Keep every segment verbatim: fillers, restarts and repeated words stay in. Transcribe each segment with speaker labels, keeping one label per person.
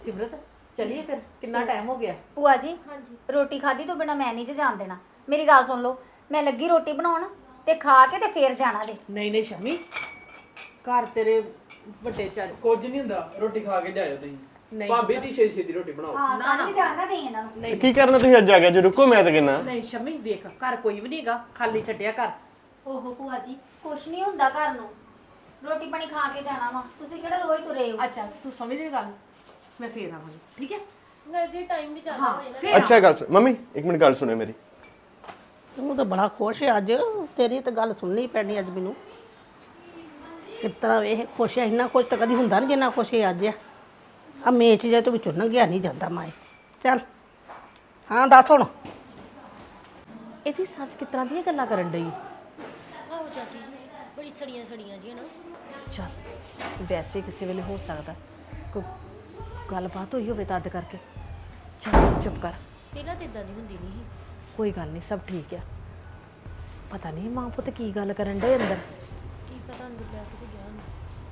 Speaker 1: सिमरत चलिए फिर कितना टाइम हो गया।
Speaker 2: ਭੂਆ ਜੀ
Speaker 3: हाँ जी
Speaker 2: ਰੋਟੀ ਖਾਦੀ ਤੋਂ ਬਿਨਾ ਮੈਂ ਨਹੀਂ ਜੇ ਜਾਣ ਦੇਣਾ। ਮੇਰੀ ਗੱਲ ਸੁਣ ਲਓ, ਮੈਂ ਲੱਗੀ ਰੋਟੀ ਬਣਾਉਣ ਤੇ ਖਾ ਕੇ ਤੇ ਫੇਰ ਜਾਣਾ ਜੇ।
Speaker 1: नहीं नहीं शमी घर तेरे ਵੱਡੇ ਚੱਲ
Speaker 4: ਕੁਝ ਨਹੀਂ ਹੁੰਦਾ ਰੋਟੀ ਖਾ ਕੇ ਜਾਇਓ ਤੁਸੀਂ
Speaker 1: ਨਹੀਂ
Speaker 4: ਭਾਬੀ ਦੀ ਛੇਤੀ ਛੇਤੀ ਰੋਟੀ ਬਣਾਓ
Speaker 2: ਹਾਂ ਸਾਨੂੰ ਵੀ ਜਾਣਦਾ ਨਹੀਂ ਇਹਨਾਂ ਨੂੰ।
Speaker 1: ਨਹੀਂ
Speaker 5: ਕੀ ਕਰਨਾ ਤੁਸੀਂ ਅੱਜ ਆ ਗਏ ਜੇ ਰੁਕੋ ਮੈਂ ਤਾਂ ਕਹਿੰਦਾ
Speaker 1: ਨਹੀਂ ਸ਼ਮੀ ਦੇਖ ਘਰ ਕੋਈ ਵੀ ਨਹੀਂਗਾ, ਖਾਲੀ ਛੱਡਿਆ ਘਰ।
Speaker 2: ਓਹੋ ਭੂਆ ਜੀ ਕੁਛ ਨਹੀਂ ਹੁੰਦਾ ਘਰ ਨੂੰ, ਰੋਟੀ ਪਾਣੀ ਖਾ ਕੇ ਜਾਣਾ ਵਾ। ਤੁਸੀਂ ਕਿਹੜਾ ਰੋਜ਼ ਤੁਰੇ ਹੋ।
Speaker 1: ਅੱਛਾ ਤੂੰ ਸਮਝ ਗਈ ਗੱਲ, ਮੈਂ ਫੇਰ ਆਵਾਂਗੀ ਠੀਕ ਹੈ।
Speaker 3: घर जी टाइम भी ज़्यादा
Speaker 1: हाँ
Speaker 3: होए ना
Speaker 1: फिर
Speaker 5: ਅੱਛਾ ਗੱਲ ਸੁਣ ਮੰਮੀ ਇੱਕ ਮਿੰਟ ਗੱਲ ਸੁਣਿਓ ਮੇਰੀ।
Speaker 6: ਤੂੰ ਤਾਂ ਬੜਾ ਖੁਸ਼ ਹੈ ਅੱਜ, ਤੇਰੀ ਤਾਂ ਗੱਲ ਸੁਣਨੀ ਪੈਣੀ ਅੱਜ ਮੈਨੂੰ। ਕਿਸ ਤਰ੍ਹਾਂ ਵੇਖ ਖੁਸ਼ ਹੈ, ਇੰਨਾ ਖੁਸ਼ ਤਾਂ ਕਦੀ ਹੁੰਦਾ ਨਹੀਂ ਜਿੰਨਾ ਖੁਸ਼ ਹੈ ਅੱਜ। ਆ ਮੇਚ ਜੇ ਤੋਂ ਵਿੱਚੋਂ ਲੰਘਿਆ ਨਹੀਂ ਜਾਂਦਾ ਮਾਏ। ਚੱਲ ਹਾਂ ਦੱਸ ਹੁਣ।
Speaker 1: ਇਹਦੀ ਸੱਸ ਕਿਸ ਤਰ੍ਹਾਂ ਦੀਆਂ ਗੱਲਾਂ ਕਰਨ ਡਈ।
Speaker 3: आहो चाची जी बड़ी सड़ियां सड़ियां जी है ना।
Speaker 1: ਚੱਲ ਵੈਸੇ ਕਿਸੇ ਵੇਲੇ ਹੋ ਸਕਦਾ ਕੋਈ ਗੱਲਬਾਤ ਹੋਈ ਹੋਵੇ ਤਦ ਕਰਕੇ। ਚੱਲ ਚੁੱਪ ਕਰ,
Speaker 3: ਪਹਿਲਾਂ ਤਾਂ ਇਦਾਂ ਦੀ ਹੁੰਦੀ ਨਹੀਂ ਸੀ।
Speaker 1: ਕੋਈ ਗੱਲ ਨਹੀਂ, ਸਭ ਠੀਕ ਆ। ਪਤਾ ਨਹੀਂ ਮਾਂ ਪੁੱਤ ਕੀ ਗੱਲ ਕਰਨ ਡੇ ਅੰਦਰ।
Speaker 3: ਕੀ ਪਤਾ ਅੰਦਰ ਲੈ ਕੇ ਤੇ ਗਿਆ ਹੁੰਦਾ।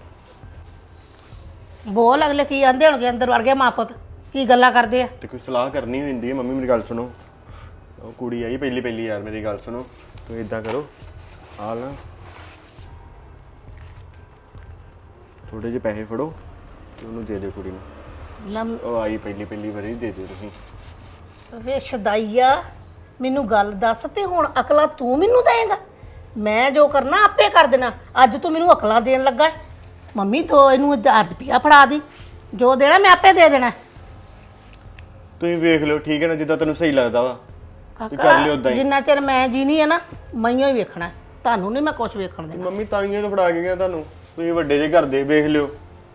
Speaker 6: ਬੋਲ ਅਗਲੇ ਕੀ ਆਂਦੇ ਹੋਣਗੇ ਅੰਦਰ ਵੜ ਗਏ ਮਾਂ ਪੁੱਤ, ਕੀ ਗੱਲਾਂ ਕਰਦੇ ਆ।
Speaker 5: ਤੇ ਕੋਈ ਸਲਾਹ ਕਰਨੀ ਹੁੰਦੀ ਹੈ ਮੰਮੀ ਮੇਰੀ ਗੱਲ ਸੁਣੋ। ਉਹ ਕੁੜੀ ਆਈ ਪਹਿਲੀ ਪਹਿਲੀ ਯਾਰ ਮੇਰੀ ਗੱਲ ਸੁਣੋ। ਤੁਸੀਂ ਇਦਾਂ ਕਰੋ ਆ ਨਾ ਥੋੜੇ ਜਿਹੇ ਪੈਸੇ ਫੜੋ ਤੇ ਉਹਨੂੰ ਦੇ ਦਿਓ ਕੁੜੀ ਨੂੰ।
Speaker 6: ਨਮ
Speaker 5: ਉਹ ਆਈ ਪਹਿਲੀ ਪਹਿਲੀ ਵਾਰੀ ਦੇ ਦਿਓ ਤੁਸੀਂ।
Speaker 6: ਵੇ ਸ਼ਦਾਈਆ ਮੈਨੂੰ ਗੱਲ ਦੱਸ ਵੀ ਹੁਣ ਅਕਲਾਂ ਤੂੰ ਮੈਨੂੰ ਦੇਂਗਾ? ਮੈਂ ਜੋ ਕਰਨਾ ਆਪੇ ਕਰ ਦੇਣਾ। ਅੱਜ ਤੂੰ ਮੈਨੂੰ ਅਕਲਾਂ ਦੇਣ ਲੱਗਾ ਹੈ। ਮੰਮੀ ਤੋਂ ਇਹਨੂੰ ਹਜ਼ਾਰ ਰੁਪਇਆ ਫੜਾ ਦੀ, ਜੋ ਦੇਣਾ ਮੈਂ ਆਪੇ ਦੇ ਦੇਣਾ।
Speaker 5: ਤੁਸੀਂ ਵੇਖ ਲਿਓ ਠੀਕ ਹੈ ਨਾ, ਜਿੱਦਾਂ ਤੈਨੂੰ ਸਹੀ ਲੱਗਦਾ ਵਾ ਵੀ ਕਰ ਲਿਓ ਉਦਾਂ ਹੀ।
Speaker 6: ਜਿੰਨਾ ਚਿਰ ਮੈਂ ਜੀਣੀ ਹੈ ਨਾ ਮਈਓ ਹੀ ਵੇਖਣਾ ਹੈ। ਤੁਹਾਨੂੰ ਨਹੀਂ ਮੈਂ ਕੁਝ ਵੇਖਣ ਦੇਣਾ।
Speaker 5: ਮੰਮੀ ਤਾਂੀਆਂ ਤੋਂ ਫੜਾ ਕੇ ਗਿਆ ਤੁਹਾਨੂੰ, ਤੁਸੀਂ ਵੱਡੇ ਜੇ ਘਰ ਦੇ ਵੇਖ ਲਿਓ।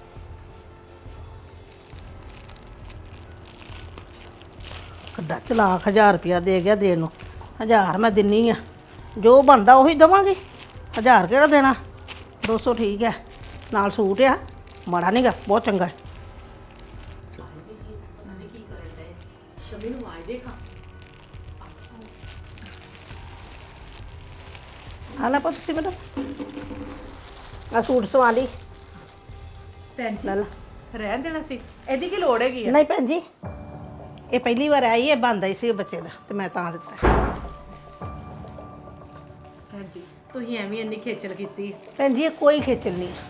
Speaker 6: ਕਿੱਡਾ ਚਲਾਕ, ਹਜ਼ਾਰ ਰੁਪਇਆ ਦੇ ਗਿਆ ਦੇਣ ਨੂੰ। ਹਜ਼ਾਰ ਮੈਂ ਦਿੰਨੀ ਆ, ਜੋ ਬਣਦਾ ਉਹੀ ਦੇਵਾਂਗੀ। ਹਜ਼ਾਰ ਕਿਹੜਾ ਦੇਣਾ, ਦੋ ਸੌ ਠੀਕ ਹੈ। ਨਾਲ ਸੂਟ ਆ, ਮਾੜਾ ਨਹੀਂਗਾ, ਬਹੁਤ ਚੰਗਾ ਹੈ।
Speaker 1: ਸ਼ਮੀ ਨੂੰ ਆਏ ਦੇਖਾਂ।
Speaker 6: ਆ ਲੈ ਪੁੱਤ ਤੁਸੀਂ ਮੈਨੂੰ ਆ ਸੂਟ ਸਵਾ ਲਈ।
Speaker 1: ਭੈਣ ਜੀ
Speaker 6: ਲੈ ਲਾ।
Speaker 1: ਰਹਿਣ ਦੇਣਾ ਸੀ, ਇਹਦੀ ਕੀ ਲੋੜ ਹੈਗੀ ਆ।
Speaker 6: ਨਹੀਂ ਭੈਣ ਜੀ, ਇਹ ਪਹਿਲੀ ਵਾਰ ਆਈ ਹੈ, ਬੰਦਾ ਹੀ ਸੀ ਬੱਚੇ ਦਾ ਤੇ ਮੈਂ ਤਾਂ ਦਿੱਤਾ।
Speaker 1: ਭੈਣ ਜੀ ਤੁਸੀਂ ਐਵੇਂ ਇੰਨੀ ਖੇਚਲ ਕੀਤੀ।
Speaker 6: ਭੈਣ ਜੀ ਇਹ ਕੋਈ ਖੇਚਲ ਨਹੀਂ ਹੈ।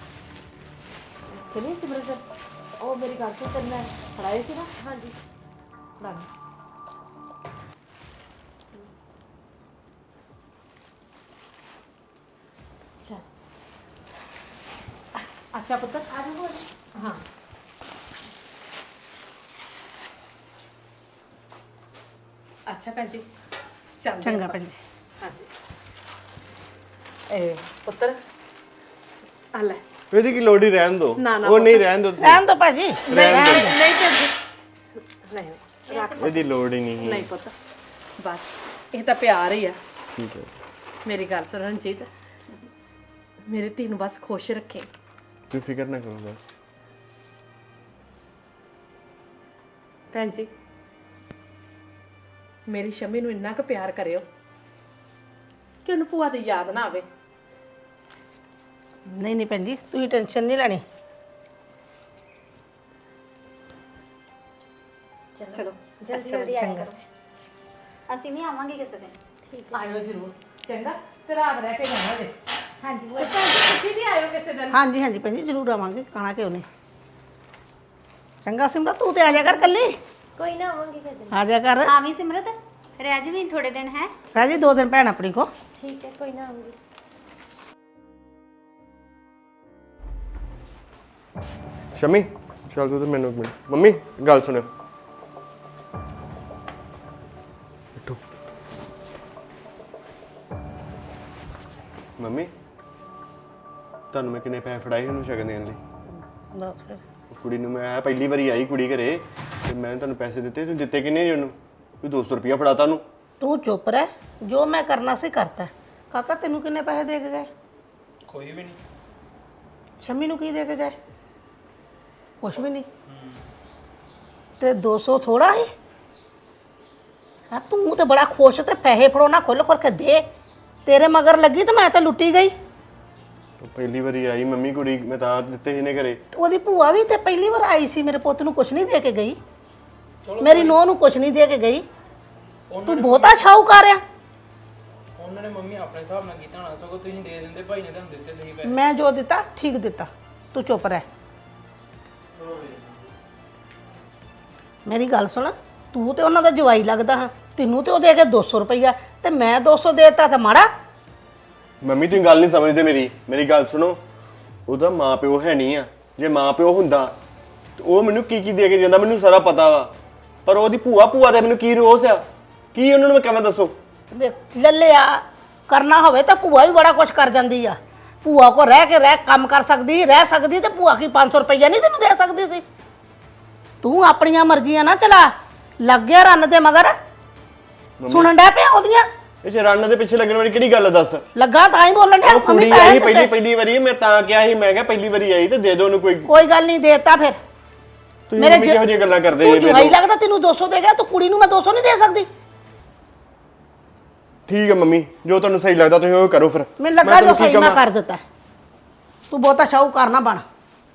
Speaker 1: ਚਲਿਏ ਸਿਮਰਤ, ਉਹ ਮੇਰੀ ਗੱਲ ਤੋਂ ਤੈਨੂੰ ਮੈਂ ਫੜਾਏ ਸੀ ਨਾ।
Speaker 3: ਹਾਂਜੀ
Speaker 1: ਫੜਾ ਦੇ। ਚੱਲ ਅੱਛਾ ਪੁੱਤਰ ਆ ਜਾਓ। ਹਾਂ ਅੱਛਾ ਭੈਣ ਜੀ ਚੱਲ
Speaker 6: ਚੰਗਾ ਭੈਣ ਜੀ।
Speaker 1: ਹਾਂਜੀ ਇਹ ਪੁੱਤਰ ਆ ਲੈ।
Speaker 5: ਇਹਦੀ ਕੀ ਲੋੜ ਹੀ ਰਹਿਣ ਦੋ।
Speaker 1: ਨਾ, ਨਾ,
Speaker 5: ਉਹ ਨਹੀਂ ਰਹਿਣ ਦੋ ਤੁਸੀਂ।
Speaker 6: ਰਹਿਣ ਦੋ ਭਾਜੀ।
Speaker 1: ਨਹੀਂ ਨਹੀਂ ਨਹੀਂ ਭੈਣ ਜੀ, ਨਹੀਂ ਨਹੀਂ ਰੱਖ
Speaker 5: ਇਹਦੀ ਲੋੜ ਹੀ ਨਹੀਂ
Speaker 1: ਨਹੀਂ ਪੁੱਤ, ਬਸ ਇਹ ਤਾਂ ਪਿਆਰ ਹੀ ਆ।
Speaker 5: ਠੀਕ ਹੈ
Speaker 1: ਮੇਰੀ ਗੱਲ ਸੁਣ ਰਣਜੀਤ, ਮੇਰੇ ਧੀ ਨੂੰ ਬਸ ਖੁਸ਼ ਰੱਖੇ।
Speaker 5: ਤੁਸੀਂ ਫਿਕਰ ਨਾ ਕਰੋ ਬਸ।
Speaker 1: ਭੈਣ ਜੀ ਮੇਰੀ ਸ਼ਮੀ ਨੂੰ ਇੰਨਾ ਕੁ ਪਿਆਰ ਕਰਿਓ ਕਿ ਉਹਨੂੰ ਭੂਆ ਦੀ ਯਾਦ ਨਾ ਆਵੇ।
Speaker 6: ਨਹੀਂ ਨਹੀਂ ਭੈਣ ਜੀ ਤੁਸੀਂ ਟੈਨਸ਼ਨ ਨਹੀਂ ਲੈਣੀ।
Speaker 1: ਚਲੋ
Speaker 2: ਜਲਦੀ ਜਲਦੀ ਆਇਆ ਕਰੋ, ਅਸੀਂ ਵੀ ਆਵਾਂਗੇ ਕਿਸੇ ਦਿਨ।
Speaker 3: ਠੀਕ
Speaker 1: ਆਇਓ ਜ਼ਰੂਰ, ਚੰਗਾ ਤੇ ਰਾਤ ਰਹਿ ਕੇ ਜਾਣਾ ਜੇ।
Speaker 2: ਹਾਂਜੀ ਭੂਆ
Speaker 1: ਤੇ ਭੈਣ ਜੀ ਤੁਸੀਂ ਵੀ ਆਇਓ ਕਿਸੇ ਦਿਨ।
Speaker 6: ਹਾਂਜੀ ਹਾਂਜੀ ਭੈਣ ਜੀ ਜ਼ਰੂਰ ਆਵਾਂਗੇ, ਖਾਣਾ ਕਿਉਂ ਨਹੀਂ। ਚੰਗਾ ਸਿਮਰਤ ਤੂੰ ਤੇ ਆ ਜਾ ਕਰ ਕੱਲੀ,
Speaker 3: कोई ना आवांगी फिर दिन।
Speaker 6: ਆ ਜਾ ਕਰ।
Speaker 2: ਆਵੀਂ ਸਿਮਰਤ, ਰਹਿ ਜਵੀਂ ਥੋੜੇ ਦਿਨ ਹੈ।
Speaker 6: ਰਹਿ ਜੀ ਦੋ ਦਿਨ ਭੈਣ ਆਪਣੀ ਕੋ।
Speaker 3: ठीक है कोई ना आऊंगी।
Speaker 5: ਸ਼ਮੀ ਚੱਲ ਤੂੰ ਤੇ ਮੈਨੂੰ ਇੱਕ ਮਿੰਟ। ਮੰਮੀ ਗੱਲ ਸੁਣਿਓ। ਬੈਠੋ। ਮੰਮੀ ਤੁਹਾਨੂੰ ਮੈਂ ਕਿੰਨੇ ਪੈਸੇ ਫੜਾਏ ਉਹਨੂੰ ਸ਼ਗਨ ਦੇਣ ਲਈ?
Speaker 6: ਦੱਸ ਫਿਰ।
Speaker 5: ਉਹ ਕੁੜੀ ਨੂੰ ਮੈਂ ਪਹਿਲੀ ਵਾਰੀ ਆਈ ਕੁੜੀ ਘਰੇ ਤੇ ਮੈਂ ਤੁਹਾਨੂੰ ਪੈਸੇ ਦਿੱਤੇ। ਤੁਸੀਂ ਦਿੱਤੇ ਕਿੰਨੇ ਜੀ ਉਹਨੂੰ? ਕੋਈ ਦੋ ਸੌ ਰੁਪਇਆ ਫੜਾਤਾ ਉਹਨੂੰ।
Speaker 6: ਤੂੰ ਚੁੱਪ ਰਹਿ, ਜੋ ਮੈਂ ਕਰਨਾ ਸੀ ਕਰਤਾ। ਕਾਕਾ ਤੈਨੂੰ ਕਿੰਨੇ ਪੈਸੇ ਦੇ ਕੇ ਗਏ?
Speaker 4: ਕੋਈ ਵੀ ਨਹੀਂ
Speaker 6: ਸ਼ਮੀ ਨੂੰ ਕੀ ਦੇ ਕੇ ਗਏ? ਕੁਛ ਵੀ ਨਹੀਂ। ਤੇ ਦੋ ਸੌ ਥੋੜਾ ਹੈ? ਹਾਂ ਤੂੰ ਤੇ ਬੜਾ ਖੁਸ਼ ਤੇ ਪੈਸੇ ਫੜੋ ਨਾ ਖੁੱਲ ਖੁੱਲ ਕੇ ਦੇ। ਤੇਰੇ ਮਗਰ ਲੱਗੀ ਤੇ ਮੈਂ ਤਾਂ ਲੁੱਟੀ ਗਈ।
Speaker 5: ਪਹਿਲੀ ਵਾਰੀ ਆਈ ਮੰਮੀ ਕੁੜੀ, ਮੈਂ ਤਾਂ ਦਿੱਤੇ ਸੀ ਨੇ ਘਰੇ।
Speaker 6: ਉਹਦੀ ਭੂਆ ਵੀ ਤੇ ਪਹਿਲੀ ਵਾਰ ਆਈ ਸੀ, ਮੇਰੇ ਪੁੱਤ ਨੂੰ ਕੁਛ ਨਹੀਂ ਦੇ ਕੇ ਗਈ, ਮੇਰੀ ਨੂੰਹ ਨੂੰ ਕੁਛ ਨਹੀਂ ਦੇ ਕੇ ਗਈ। ਤੂੰ ਬਹੁਤਾ ਸ਼ਾਹੂਕਾਰ ਆ।
Speaker 4: ਉਹਨਾਂ ਨੇ ਮੰਮੀ ਆਪਣੇ ਹਿਸਾਬ ਨਾਲ ਕੀਤਾ ਹੋਣਾ, ਸਗੋਂ ਤੁਸੀਂ ਦੇ ਦਿੰਦੇ, ਭਾਈ ਨੇ ਤੁਹਾਨੂੰ ਦਿੱਤੇ ਤੁਸੀਂ ਪੈਸੇ।
Speaker 6: ਮੈਂ ਜੋ ਦਿੱਤਾ ਠੀਕ ਦਿੱਤਾ, ਤੂੰ ਚੁੱਪ ਰਹਿ। ਮੇਰੀ ਗੱਲ ਸੁਣ, ਤੂੰ ਤੇ ਉਹਨਾਂ ਦਾ ਜਵਾਈ ਲੱਗਦਾ ਹਾਂ, ਤੈਨੂੰ ਤੇ ਉਹ ਦੇ ਕੇ ਦੋ ਸੌ ਰੁਪਈਆ ਤੇ ਮੈਂ ਦੋ ਸੌ ਦੇਤਾ ਤਾਂ ਮਾੜਾ।
Speaker 5: ਮੰਮੀ ਤੁਸੀਂ ਗੱਲ ਨਹੀਂ ਸਮਝਦੇ ਮੇਰੀ ਮੇਰੀ ਗੱਲ ਸੁਣੋ, ਉਹਦਾ ਮਾਂ ਪਿਓ ਹੈ ਨਹੀਂ ਆ। ਜੇ ਮਾਂ ਪਿਓ ਹੁੰਦਾ ਤੇ ਉਹ ਮੈਨੂੰ ਕੀ ਕੀ ਦੇ ਕੇ ਜਾਂਦਾ ਮੈਨੂੰ ਸਾਰਾ ਪਤਾ ਵਾ, ਪਰ ਉਹਦੀ ਭੂਆ ਭੂਆ ਦਾ ਮੈਨੂੰ ਕੀ ਰੋਸ ਆ, ਕੀ ਉਹਨਾਂ ਨੂੰ ਮੈਂ ਕਿਵੇਂ ਦੱਸੋ?
Speaker 6: ਵੇ ਲੱਲਿਆ ਕਰਨਾ ਹੋਵੇ ਤਾਂ ਭੂਆ ਵੀ ਬੜਾ ਕੁਛ ਕਰ ਜਾਂਦੀ ਆ। ਭੂਆ ਕੋ ਰਹਿ ਕੇ ਰਹਿ ਕੰਮ ਕਰ ਸਕਦੀ ਰਹਿ ਸਕਦੀ ਤੇ ਭੂਆ ਕੀ ਪੰਜ ਸੌ ਰੁਪਈਆ ਨਹੀਂ ਤੈਨੂੰ ਦੇ ਸਕਦੀ ਸੀ? ਤੂੰ ਆਪਣੀਆਂ ਮਰਜ਼ੀਆਂ ਨਾ ਚਲਾ, ਲੱਗ ਗਿਆ ਰੰਨ ਦੇ ਮਗਰ। ਸੁਣਨ ਡਿਆ ਪਿਆ ਉਹਦੀਆਂ?
Speaker 5: ਇਹ ਚ ਰੰਨ ਦੇ ਪਿੱਛੇ ਲੱਗਣ ਵਾਲੀ ਕਿਹੜੀ ਗੱਲ ਆ ਦੱਸ?
Speaker 6: ਲੱਗਾ ਤਾਂ ਹੀ ਬੋਲਣ ਡਿਆ।
Speaker 5: ਉਹ ਕੁੜੀ ਆਈ ਪਹਿਲੀ ਪਹਿਲੀ ਵਾਰੀ, ਮੈਂ ਤਾਂ ਕਿਹਾ ਸੀ, ਮੈਂ ਕਿਹਾ ਪਹਿਲੀ ਵਾਰੀ ਆਈ ਤੇ ਦੇ ਦੋ ਉਹਨੂੰ ਕੋਈ।
Speaker 6: ਕੋਈ ਗੱਲ ਨਹੀਂ, ਦੇਤਾ ਫਿਰ।
Speaker 5: ਮੇਰੇ ਕਿਹੋ ਜਿਹੀਆਂ ਗੱਲਾਂ ਕਰਦੇ
Speaker 6: ਤੂੰ ਜਵਾਈ ਲੱਗਦਾ, ਤੈਨੂੰ ਦੋ ਸੌ ਦੇ ਗਿਆ, ਤੂੰ ਕੁੜੀ ਨੂੰ ਮੈਂ ਦੋ ਸੌ ਨਹੀਂ ਦੇ ਸਕਦੀ?
Speaker 5: ਠੀਕ ਹੈ ਮੰਮੀ, ਜੋ ਤੁਹਾਨੂੰ ਸਹੀ ਲੱਗਦਾ ਤੁਸੀਂ ਉਹ ਕਰੋ ਫਿਰ।
Speaker 6: ਮੈਨੂੰ ਲੱਗਾ ਜੋ ਸਹੀ ਮੈਂ ਕਰ ਦਿੱਤਾ। ਤੂੰ ਬਹੁਤਾ ਸ਼ਾਹੂਕਾਰ ਨਾ ਬਣ।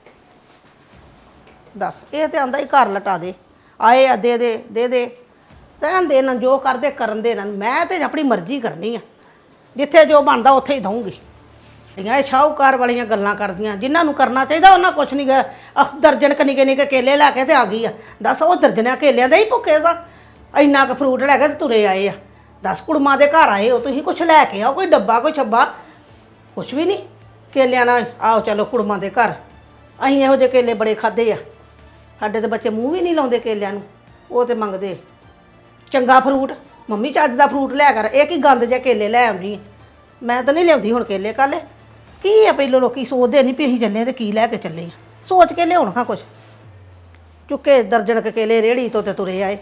Speaker 6: ਦੱਸ, ਇਹ ਤੇ ਆਂਦਾ ਹੀ ਘਰ ਲਟਾ ਦੇ, ਆਏ ਆ ਦੇ ਦੇ ਦੇ ਦੇ, ਰਹਿਣ ਦੇ ਨਾ, ਜੋ ਕਰਦੇ ਕਰਨ ਦੇ ਨਾ। ਮੈਂ ਤੇ ਆਪਣੀ ਮਰਜ਼ੀ ਕਰਨੀ ਆ, ਜਿੱਥੇ ਜੋ ਬਣਦਾ ਉੱਥੇ ਹੀ ਦਊਂਗੀ। ਇਹ ਸ਼ਾਹੂਕਾਰ ਵਾਲੀਆਂ ਗੱਲਾਂ ਕਰਦੀਆਂ, ਜਿਨ੍ਹਾਂ ਨੂੰ ਕਰਨਾ ਚਾਹੀਦਾ ਉਹਨਾਂ ਕੁਛ ਨਹੀਂ ਗਿਆ। ਆਹ ਦਰਜਨ ਨਿੱਕੇ ਨਿੱਕੇ ਕੇਲੇ ਲੈ ਕੇ ਤੇ ਆ ਗਈ ਆ। ਦੱਸ, ਉਹ ਦਰਜਨਾਂ ਕੇਲਿਆਂ ਦੇ ਹੀ ਭੁੱਖੇ ਸਾ, ਇੰਨਾ ਕੁ ਫਰੂਟ ਲੈ ਕੇ ਤੇ ਤੁਰੇ ਆਏ ਆ। ਦਸ ਕੁੜਮਾਂ ਦੇ ਘਰ ਆਏ ਹੋ ਤੁਸੀਂ, ਕੁਛ ਲੈ ਕੇ ਆਓ, ਕੋਈ ਡੱਬਾ ਕੋਈ ਛੱਬਾ, ਕੁਛ ਵੀ ਨਹੀਂ। ਕੇਲਿਆਂ ਨਾਲ ਆਓ ਚਲੋ ਕੁੜਮਾਂ ਦੇ ਘਰ। ਅਸੀਂ ਇਹੋ ਜਿਹੇ ਕੇਲੇ ਬੜੇ ਖਾਦੇ ਆ, ਸਾਡੇ ਤੇ ਬੱਚੇ ਮੂੰਹ ਵੀ ਨਹੀਂ ਲਾਉਂਦੇ ਕੇਲਿਆਂ ਨੂੰ, ਉਹ ਤੇ ਮੰਗਦੇ ਚੰਗਾ ਫਰੂਟ। ਮੰਮੀ ਚੱਜ ਦਾ ਫਰੂਟ ਲਿਆ ਕਰ, ਇਹ ਕੀ ਗੰਦ ਜਿਹੇ ਕੇਲੇ ਲੈ ਆਉਂਦੀ। ਮੈਂ ਤਾਂ ਨਹੀਂ ਲਿਆਉਂਦੀ ਹੁਣ ਕੇਲੇ ਕਾਲੇ। ਕੀ ਆ ਪਹਿਲੋਂ ਲੋਕੀ ਸੋਚਦੇ ਨਹੀਂ ਵੀ ਅਸੀਂ ਚੱਲੇ ਤੇ ਕੀ ਲੈ ਕੇ ਚੱਲੇ ਆ, ਸੋਚ ਕੇ ਲਿਆਉਣ ਖਾਂ ਕੁਛ। ਚੁੱਕੇ ਦਰਜਨ ਕੇ ਕੇਲੇ ਰੇੜੀ ਤੋਂ ਤੇ ਤੁਰੇ ਆਏ।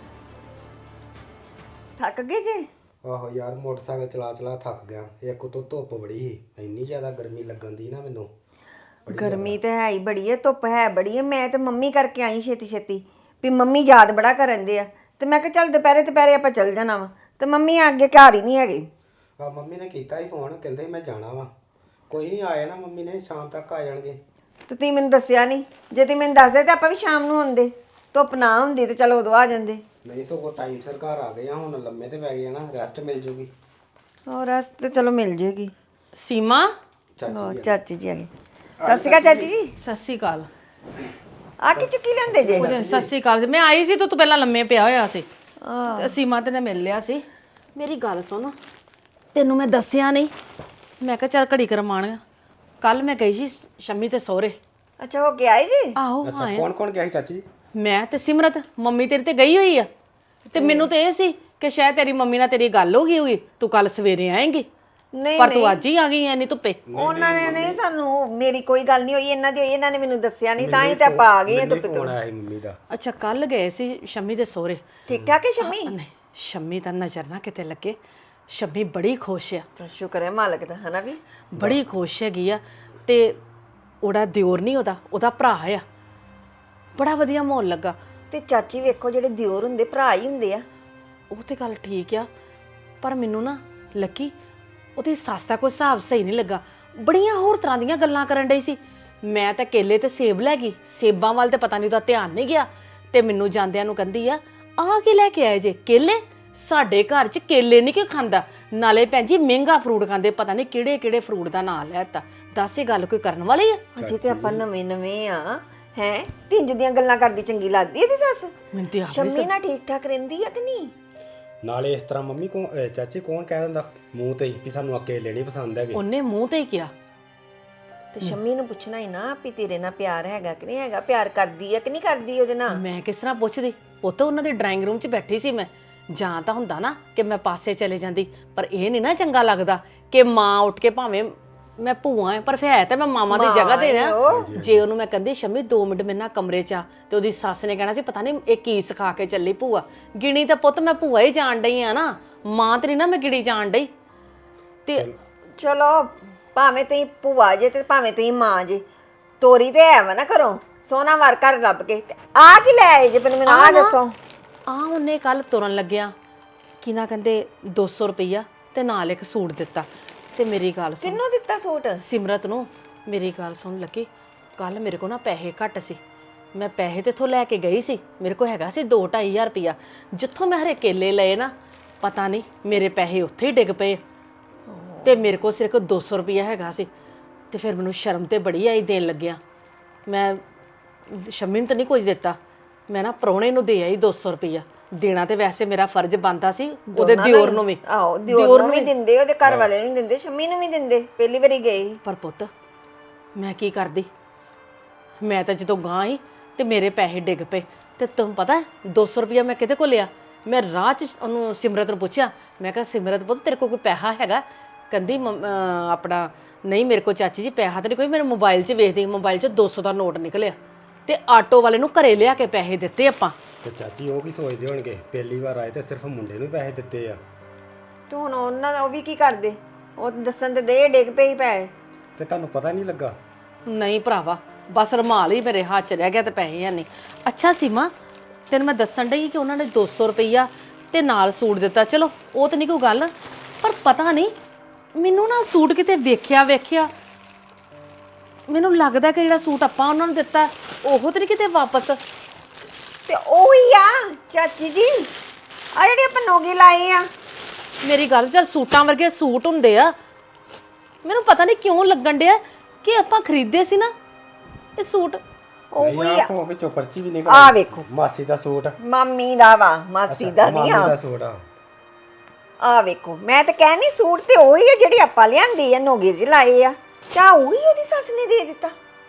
Speaker 7: ਥੱਕ ਗਏ ਜੇ?
Speaker 8: ਆਹੋ ਯਾਰ, ਮੋਟਰਸਾਈਕਲ ਚਲਾ ਚਲਾ ਥੱਕ ਗਿਆ। ਇੱਕ ਤੋਂ ਧੁੱਪ ਬੜੀ ਸੀ, ਇੰਨੀ ਜ਼ਿਆਦਾ ਗਰਮੀ ਲੱਗਣ ਦੀ ਨਾ ਮੈਨੂੰ।
Speaker 7: ਗਰਮੀ ਤਾਂ ਹੈ ਹੀ ਬੜੀ ਹੈ, ਧੁੱਪ ਹੈ ਬੜੀ ਹੈ। ਮੈਂ ਤੇ ਮੰਮੀ ਕਰਕੇ ਆਈ ਛੇਤੀ ਛੇਤੀ ਵੀ ਮੰਮੀ ਯਾਦ ਬੜਾ ਕਰਨ ਦੇ ਆ, ਤੇ ਮੈਂ ਕਿਹਾ ਚੱਲ ਦੁਪਹਿਰੇ ਦੁਪਹਿਰੇ ਆਪਾਂ ਚੱਲ ਜਾਣਾ ਵਾ, ਤੇ ਮੰਮੀ ਅੱਗੇ ਘਰ ਹੀ ਨਹੀਂ ਹੈਗੇ।
Speaker 8: ਆ ਮੰਮੀ ਨੇ ਕੀਤਾ ਹੀ ਫੋਨ, ਕਹਿੰਦੇ ਮੈਂ ਜਾਣਾ ਵਾ। ਕੋਈ ਨਹੀਂ, ਆਇਆ ਨਾ ਮੰਮੀ ਨੇ, ਸ਼ਾਮ ਤੱਕ ਆ ਜਾਣਗੇ।
Speaker 7: ਤੇ ਤੁਸੀਂ ਮੈਨੂੰ ਦੱਸਿਆ ਨਹੀਂ, ਜੇ ਤੁਸੀਂ ਮੈਨੂੰ ਦੱਸਦੇ ਤਾਂ ਆਪਾਂ ਵੀ ਸ਼ਾਮ ਨੂੰ ਆਉਂਦੇ, ਧੁੱਪ ਨਾ ਹੁੰਦੀ ਤੇ ਚਲੋ ਉਦੋਂ ਆ ਜਾਂਦੇ।
Speaker 8: ਨਹੀਂ, ਸਗੋਂ ਟਾਈਮ ਸਿਰ ਘਰ ਆ ਗਏ ਆ, ਹੁਣ ਲੰਮੇ ਤੇ ਪੈ ਗਏ ਆ ਨਾ, ਰੈਸਟ ਮਿਲ ਜੂਗੀ।
Speaker 7: ਹੋਰ ਰੈਸਟ ਤੇ ਚਲੋ ਮਿਲ ਜੇਗੀ।
Speaker 1: ਸੀਮਾ,
Speaker 7: ਚਾਚੀ ਚਾਚੀ ਜੀ ਆ ਗਏ। ਸਤਿ ਸ਼੍ਰੀ ਅਕਾਲ ਚਾਚੀ ਜੀ।
Speaker 1: ਸਤਿ ਸ਼੍ਰੀ ਅਕਾਲ।
Speaker 7: ਆ ਕੇ ਚੁੱਕੀ ਲੈਂਦੇ ਜੇ?
Speaker 1: ਸਤਿ ਸ਼੍ਰੀ ਅਕਾਲ। ਮੈਂ ਆਈ ਸੀ ਤਾਂ ਤੂੰ ਪਹਿਲਾਂ ਲੰਮੇ ਪਿਆ ਹੋਇਆ ਸੀ ਤੇ ਸੀਮਾ ਤੇ ਨੇ ਮਿਲ ਲਿਆ ਸੀ। ਮੇਰੀ ਗੱਲ ਸੁਣ, ਤੈਨੂੰ ਮੈਂ ਦੱਸਿਆ ਨਹੀਂ, ਮੈਂ ਕਿਹਾ ਚੱਲ ਘੜੀ ਕਰਮਾਣ। ਕੱਲ ਮੈਂ ਗਈ ਸੀ ਸ਼ੰਮੀ ਤੇ ਸਹੁਰੇ।
Speaker 7: ਅੱਛਾ, ਹੋ ਕੇ ਆਏ ਜੀ?
Speaker 1: ਆਹੋ
Speaker 8: ਅੱਛਾ,
Speaker 1: ਆਏ।
Speaker 8: ਕੌਣ ਕੌਣ ਗਿਆ ਸੀ ਚਾਚੀ ਜੀ?
Speaker 1: ਮੈਂ ਤੇ ਸਿਮਰਤ। ਮੰਮੀ ਤੇਰੀ ਤੇ ਗਈ ਹੋਈ ਆ, ਤੇ ਮੈਨੂੰ ਤੇ ਇਹ ਸੀ ਕਿ ਸ਼ਾਇਦ ਤੇਰੀ ਮੰਮੀ ਨਾਲ ਤੇਰੀ ਗੱਲ ਹੋ ਗਈ ਹੋਈ, ਤੂੰ ਕੱਲ ਸਵੇਰੇ ਆਏਂਗੀ,
Speaker 7: ਨਹੀਂ
Speaker 1: ਪਰ ਤੂੰ ਅੱਜ ਹੀ ਆ ਗਈ ਐ ਨਹੀਂ ਧੁੱਪੇ।
Speaker 7: ਉਹਨਾਂ ਨੇ ਨਹੀਂ, ਸਾਨੂੰ ਮੇਰੀ ਕੋਈ ਗੱਲ ਨਹੀਂ ਹੋਈ, ਇਹਨਾਂ ਦੀ ਹੋਈ, ਇਹਨਾਂ ਨੇ ਮੈਨੂੰ ਦੱਸਿਆ ਨਹੀਂ, ਤਾਂ ਹੀ ਤੇ ਆਪਾਂ ਆ ਗਏ ਆ ਧੁੱਪੇ।
Speaker 8: ਫੋਨ ਆਇਆ ਸੀ ਮੰਮੀ ਦਾ।
Speaker 1: ਅੱਛਾ, ਕੱਲ ਗਏ ਸੀ ਸ਼ੰਮੀ ਦੇ ਸਹੁਰੇ।
Speaker 7: ਠੀਕ ਠਾਕ ਹੈ ਸ਼ੰਮੀ?
Speaker 1: ਨਹੀਂ, ਸ਼ੰਮੀ ਦਾ ਨਜ਼ਰ ਨਾ ਕਿਤੇ ਲੱਗੇ। ਸ਼ੰਮੀ ਬੜੀ ਖੁਸ਼ ਆ,
Speaker 7: ਤਾਂ ਸ਼ੁਕਰ ਹੈ ਮਾਲਕ ਦਾ, ਹਨਾ ਵੀ?
Speaker 1: ਬੜੀ ਖੁਸ਼ ਹੈਗੀ ਆ। ਤੇ ਉਹਦਾ ਦਿਓਰ ਨਹੀਂ, ਉਹਦਾ ਉਹਦਾ ਭਰਾ ਆ। ਬੜਾ ਵਧੀਆ ਮਾਹੌਲ ਲੱਗਾ।
Speaker 7: ਤੇ ਚਾਚੀ ਵੇਖੋ, ਜਿਹੜੇ ਦਿਓਰ ਹੁੰਦੇ ਭਰਾ ਹੀ ਹੁੰਦੇ ਆ।
Speaker 1: ਉਹ ਤੇ ਗੱਲ ਠੀਕ ਆ, ਪਰ ਮੈਨੂੰ ਨਾ ਲੱਕੀ ਉਹਦੀ ਸੱਸ ਦਾ ਕੋਈ ਹਿਸਾਬ ਸਹੀ ਨਹੀਂ ਲੱਗਾ। ਬੜੀਆਂ ਹੋਰ ਤਰ੍ਹਾਂ ਦੀਆਂ ਗੱਲਾਂ ਕਰਨ ਡਈ ਸੀ। ਮੈਂ ਤਾਂ ਕੇਲੇ ਤੇ ਸੇਬ ਲੈ ਗਈ, ਸੇਬਾਂ ਵੱਲ ਤੇ ਪਤਾ ਨਹੀਂ ਉਹਦਾ ਧਿਆਨ ਨਹੀਂ ਗਿਆ, ਤੇ ਮੈਨੂੰ ਜਾਂਦਿਆਂ ਨੂੰ ਕਹਿੰਦੀ ਆ ਆਹ ਕੀ ਲੈ ਕੇ ਆਏ ਜੇ? ਕੇਲੇ? ਸਾਡੇ ਘਰ 'ਚ ਕੇਲੇ ਨਹੀਂ ਕਿਉਂ ਖਾਂਦਾ? ਨਾਲੇ ਭੈਣ ਜੀ ਮਹਿੰਗਾ ਫਰੂਟ ਖਾਂਦੇ, ਪਤਾ ਨਹੀਂ ਕਿਹੜੇ ਕਿਹੜੇ ਫਰੂਟ ਦਾ ਨਾਂ ਲੈਤਾ। ਦੱਸ, ਇਹ ਗੱਲ ਕੋਈ ਕਰਨ ਵਾਲੀ ਆ?
Speaker 7: ਅਜੇ ਤੇ ਆਪਾਂ ਨਵੇਂ ਨਵੇਂ ਆ, ਹੈ ਢਿੰਜ ਦੀਆਂ ਗੱਲਾਂ ਕਰਦੀ ਚੰਗੀ ਲੱਗਦੀ ਇਹਦੀ ਸੱਸ।
Speaker 1: ਮੈਨੂੰ ਤੇ ਆਪ
Speaker 7: ਸ਼ੰਮੀ ਨਾਲ ਠੀਕ ਠਾਕ ਰਹਿੰਦੀ ਆ ਕਿ ਨਹੀਂ?
Speaker 8: ਨਾਲੇ ਇਸ ਤਰ੍ਹਾਂ ਮੰਮੀ ਕੋ ਚਾਚੀ ਕੌਣ ਕਹਿ ਦਿੰਦਾ ਮੂੰਹ ਤੇ ਹੀ ਵੀ ਸਾਨੂੰ ਅਕੇਲੇ ਨਹੀਂ ਪਸੰਦ ਹੈਗੇ।
Speaker 1: ਉਹਨੇ ਮੂੰਹ ਤੇ ਹੀ ਕਿਹਾ।
Speaker 7: ਤੇ ਸ਼ੰਮੀ ਨੂੰ ਪੁੱਛਣਾ ਹੀ ਨਾ ਵੀ ਤੇਰੇ ਨਾਲ ਪਿਆਰ ਹੈਗਾ ਕਿ ਨਹੀਂ ਹੈਗਾ, ਪਿਆਰ ਕਰਦੀ ਆ ਕਿ ਨਹੀਂ ਕਰਦੀ ਉਹਦੇ ਨਾਲ?
Speaker 1: ਮੈਂ ਕਿਸ ਤਰ੍ਹਾਂ ਪੁੱਛਦੀ? ਪੁੱਤ ਉਹਨਾਂ ਦੇ ਡਰਾਇੰਗ ਰੂਮ 'ਚ ਬੈਠੀ ਸੀ ਮੈਂ। ਜਾਂ ਤਾਂ ਹੁੰਦਾ ਨਾ ਕਿ ਮੈਂ ਪਾਸੇ ਚਲੇ ਜਾਂਦੀ, ਪਰ ਇਹ ਨਹੀਂ ਨਾ ਚੰਗਾ ਲੱਗਦਾ ਕਿ ਮਾਂ ਉੱਠ ਕੇ, ਭਾਵੇਂ ਮੈਂ ਭੂਆ ਐ ਪਰ ਫਿਰ ਹੈ ਤਾਂ ਮੈਂ ਮਾਮਾ ਦੀ ਜਗ੍ਹਾ ਤੇ ਨਾ। ਜੇ ਉਹਨੂੰ ਮੈਂ ਕਹਿੰਦੀ ਸ਼ੰਮੀ ਦੋ ਮਿੰਟ ਮੇਰੇ ਨਾਲ ਕਮਰੇ 'ਚ ਆ, ਤੇ ਉਹਦੀ ਸੱਸ ਨੇ ਕਹਿਣਾ ਸੀ ਪਤਾ ਨਹੀਂ ਇਹ ਕੀ ਸਿਖਾ ਕੇ ਚੱਲੀ ਭੂਆ। ਗਿਣੀ ਤਾਂ ਪੁੱਤ ਮੈਂ ਭੂਆ ਹੀ ਜਾਣ ਡਈ ਆ ਨਾ, ਮਾਂ ਤੇਰੀ ਨਾ ਮੈਂ ਗਿਣੀ ਜਾਣ ਡਈ। ਤੇ
Speaker 7: ਚਲੋ, ਭਾਵੇਂ ਤੁਸੀਂ ਭੂਆ ਜੇ ਤੇ ਭਾਵੇਂ ਤੁਸੀਂ ਮਾਂ ਜੇ, ਤੋਰੀ ਤੇ ਹੈ ਵਾ ਨਾ ਘਰੋਂ, ਸੋਨਾ ਵਾਰ ਘਰ ਲੱਭ ਕੇ। ਤੇ ਆ ਕੀ ਲੈ ਆਏ ਜੇ? ਪਰ ਮੈਨੂੰ ਆਹ ਦੱਸੋ।
Speaker 1: ਆ ਉਹਨੇ ਕੱਲ ਤੁਰਨ ਲੱਗਿਆ ਕੀ ਨਾ ਕਹਿੰਦੇ ਦੋ ਸੌ ਰੁਪਈਆ ਤੇ ਨਾਲ ਇੱਕ ਸੂਟ ਦਿੱਤਾ। ਤੇ ਮੇਰੀ ਗੱਲ ਸੁਣ,
Speaker 7: ਕਿੰਨੂੰ ਦਿੱਤਾ ਸੂਟ?
Speaker 1: ਸਿਮਰਤ ਨੂੰ। ਮੇਰੀ ਗੱਲ ਸੁਣ ਲੱਕੀ, ਕੱਲ ਮੇਰੇ ਕੋਲ ਨਾ ਪੈਸੇ ਘੱਟ ਸੀ, ਮੈਂ ਪੈਸੇ ਤੇ ਇੱਥੋਂ ਲੈ ਕੇ ਗਈ ਸੀ, ਮੇਰੇ ਕੋਲ ਹੈਗਾ ਸੀ ਦੋ ਢਾਈ ਹਜ਼ਾਰ ਰੁਪਇਆ। ਜਿੱਥੋਂ ਮੈਂ ਹਰੇ ਕੇਲੇ ਲਏ ਨਾ, ਪਤਾ ਨਹੀਂ ਮੇਰੇ ਪੈਸੇ ਉੱਥੇ ਹੀ ਡਿੱਗ ਪਏ ਤੇ ਮੇਰੇ ਕੋਲ ਸਿਰਫ ਦੋ ਸੌ ਰੁਪਇਆ ਹੈਗਾ ਸੀ। ਤੇ ਫਿਰ ਮੈਨੂੰ ਸ਼ਰਮ ਤੇ ਬੜੀ ਆਈ ਦੇਣ ਲੱਗਿਆ। ਮੈਂ ਸ਼ਮੀ ਨੂੰ ਤਾਂ ਨਹੀਂ ਕੁਝ ਦਿੱਤਾ, ਮੈਂ ਨਾ ਪ੍ਰਾਹੁਣੇ ਨੂੰ ਦੇ ਆਈ ਦੋ ਸੌ ਰੁਪਇਆ। ਦੇਣਾ ਤੇ ਵੈਸੇ ਮੇਰਾ ਫਰਜ਼ ਬਣਦਾ ਸੀ ਉਹਦੇ ਦਿਓਰ ਨੂੰ ਵੀ।
Speaker 7: ਆਹੋ ਦਿਓਰ ਨੂੰ ਵੀ ਦਿੰਦੇ, ਉਹਦੇ ਘਰ ਵਾਲੇ ਨੂੰ ਦਿੰਦੇ, ਸ਼ੰਮੀ ਨੂੰ ਵੀ ਦਿੰਦੇ, ਪਹਿਲੀ ਵਾਰੀ ਗਏ ਸੀ।
Speaker 1: ਪਰ ਪੁੱਤ ਮੈਂ ਕੀ ਕਰਦੀ, ਮੈਂ ਤਾਂ ਜਦੋਂ ਗਾਂ ਹੀ ਤੇ ਮੇਰੇ ਪੈਸੇ ਡਿੱਗ ਪਏ। ਤੇ ਤੁਹਾਨੂੰ ਪਤਾ ਦੋ ਸੌ ਰੁਪਇਆ ਮੈਂ ਕਿਹਦੇ ਕੋਲ ਲਿਆ? ਮੈਂ ਰਾਹ 'ਚ ਉਹਨੂੰ ਸਿਮਰਤ ਨੂੰ ਪੁੱਛਿਆ, ਮੈਂ ਕਿਹਾ ਸਿਮਰਤ ਪੁੱਤ ਤੇਰੇ ਕੋਲ ਕੋਈ ਪੈਸਾ ਹੈਗਾ? ਕਹਿੰਦੀ ਮੰਮ- ਅਹ ਆਪਣਾ ਨਹੀਂ ਮੇਰੇ ਕੋਲ ਚਾਚੀ ਜੀ ਪੈਸਾ ਤਾਂ ਨਹੀਂ ਕੋਈ, ਮੇਰੇ ਮੋਬਾਈਲ 'ਚ ਵੇਖਦੀ, ਮੋਬਾਈਲ 'ਚ ਦੋ ਸੌ ਦਾ ਨੋਟ ਨਿਕਲਿਆ ਤੇ ਆਟੋ ਵਾਲੇ ਨੂੰ ਘਰੇ ਲਿਆ ਕੇ ਪੈਸੇ ਦਿੱਤੇ ਆਪਾਂ।
Speaker 8: ਤੇ ਚਾਚੀ ਉਹ ਕੀ ਸੋਚਦੇ ਹੋਣਗੇ, ਪਹਿਲੀ ਵਾਰ ਆਏ ਤੇ ਸਿਰਫ ਮੁੰਡੇ ਨੂੰ ਪੈਸੇ ਦਿੱਤੇ ਆ।
Speaker 7: ਤੇ ਹੁਣ ਉਹਨਾਂ ਦਾ ਉਹ ਵੀ ਕੀ ਕਰਦੇ? ਉਹ ਦੱਸਣ ਤੇ ਦੇ ਡਿੱਗ ਪਈ ਪਏ।
Speaker 8: ਤੇ ਤੁਹਾਨੂੰ ਪਤਾ ਨਹੀਂ ਲੱਗਾ?
Speaker 1: ਨਹੀਂ ਭਰਾਵਾ, ਬਸ ਰੁਮਾਲ ਹੀ ਮੇਰੇ ਹੱਥ 'ਚ ਰਹਿ ਗਿਆ ਤੇ ਪੈਸੇ ਹੈ ਨਹੀਂ। ਅੱਛਾ ਸੀਮਾ, ਤੈਨੂੰ ਮੈਂ ਦੱਸਣ ਡਈ ਕਿ ਉਹਨਾਂ ਨੇ ਦੋ ਸੌ ਰੁਪਈਆ ਤੇ ਨਾਲ ਸੂਟ ਦਿੱਤਾ, ਚਲੋ ਉਹ ਤਾਂ ਨਹੀਂ ਕੋਈ ਗੱਲ, ਪਰ ਪਤਾ ਨਹੀਂ ਮੈਨੂੰ ਨਾ ਸੂਟ ਕਿਤੇ ਵੇਖਿਆ ਵੇਖਿਆ ਮੈਨੂੰ ਲੱਗਦਾ ਕਿ ਜਿਹੜਾ ਸੂਟ ਆਪਾਂ ਉਹਨਾਂ ਨੂੰ ਦਿੱਤਾ ਉਹ ਤਾਂ ਨਹੀਂ ਕਿਤੇ ਵਾਪਸ।
Speaker 7: ਤੇ ਉਹ ਹੀ ਆ ਚਾਚੀ ਜੀ, ਆ ਜਿਹੜੇ ਆਪਾਂ ਨੋਗੇ ਲਾਏ ਆ।
Speaker 1: ਮੇਰੀ ਗੱਲ ਚੱਲ, ਸੂਟਾਂ ਵਰਗੇ ਸੂਟ ਹੁੰਦੇ ਆ, ਮੈਨੂੰ ਪਤਾ ਨਹੀਂ ਕਿਉਂ ਲੱਗਣ ਡਿਆ ਕਿ ਆਪਾਂ ਖਰੀਦੇ ਸੀ ਨਾ ਇਹ ਸੂਟ।
Speaker 7: ਉਹ ਹੀ ਆ।
Speaker 8: ਉਹ ਵਿੱਚੋਂ ਪਰਚੀ ਵੀ ਨਿਕਲ
Speaker 7: ਆ ਵੇਖੋ,
Speaker 8: ਮਾਸੀ ਦਾ ਸੂਟ।
Speaker 7: ਮਾਮੀ ਦਾ ਵਾ, ਮਾਸੀ ਦਾ ਨਹੀਂ
Speaker 8: ਮਾਮੀ
Speaker 7: ਆ।
Speaker 8: ਦਾ ਸੂਟ ਆ।
Speaker 7: ਆ ਵੇਖੋ, ਮੈਂ ਤਾਂ ਕਹਿਣੀ ਸੂਟ ਤੇ ਉਹੀ ਆ ਜਿਹੜੀ ਆਪਾਂ ਲਿਆਂਦੀ ਆ, ਨੋਗੇ ਜਿਹੇ ਲਾਏ ਆ। ਚਾ ਉਹੀ ਉਹਦੀ ਸੱਸ ਨੇ ਦੇ ਦਿੱਤਾ?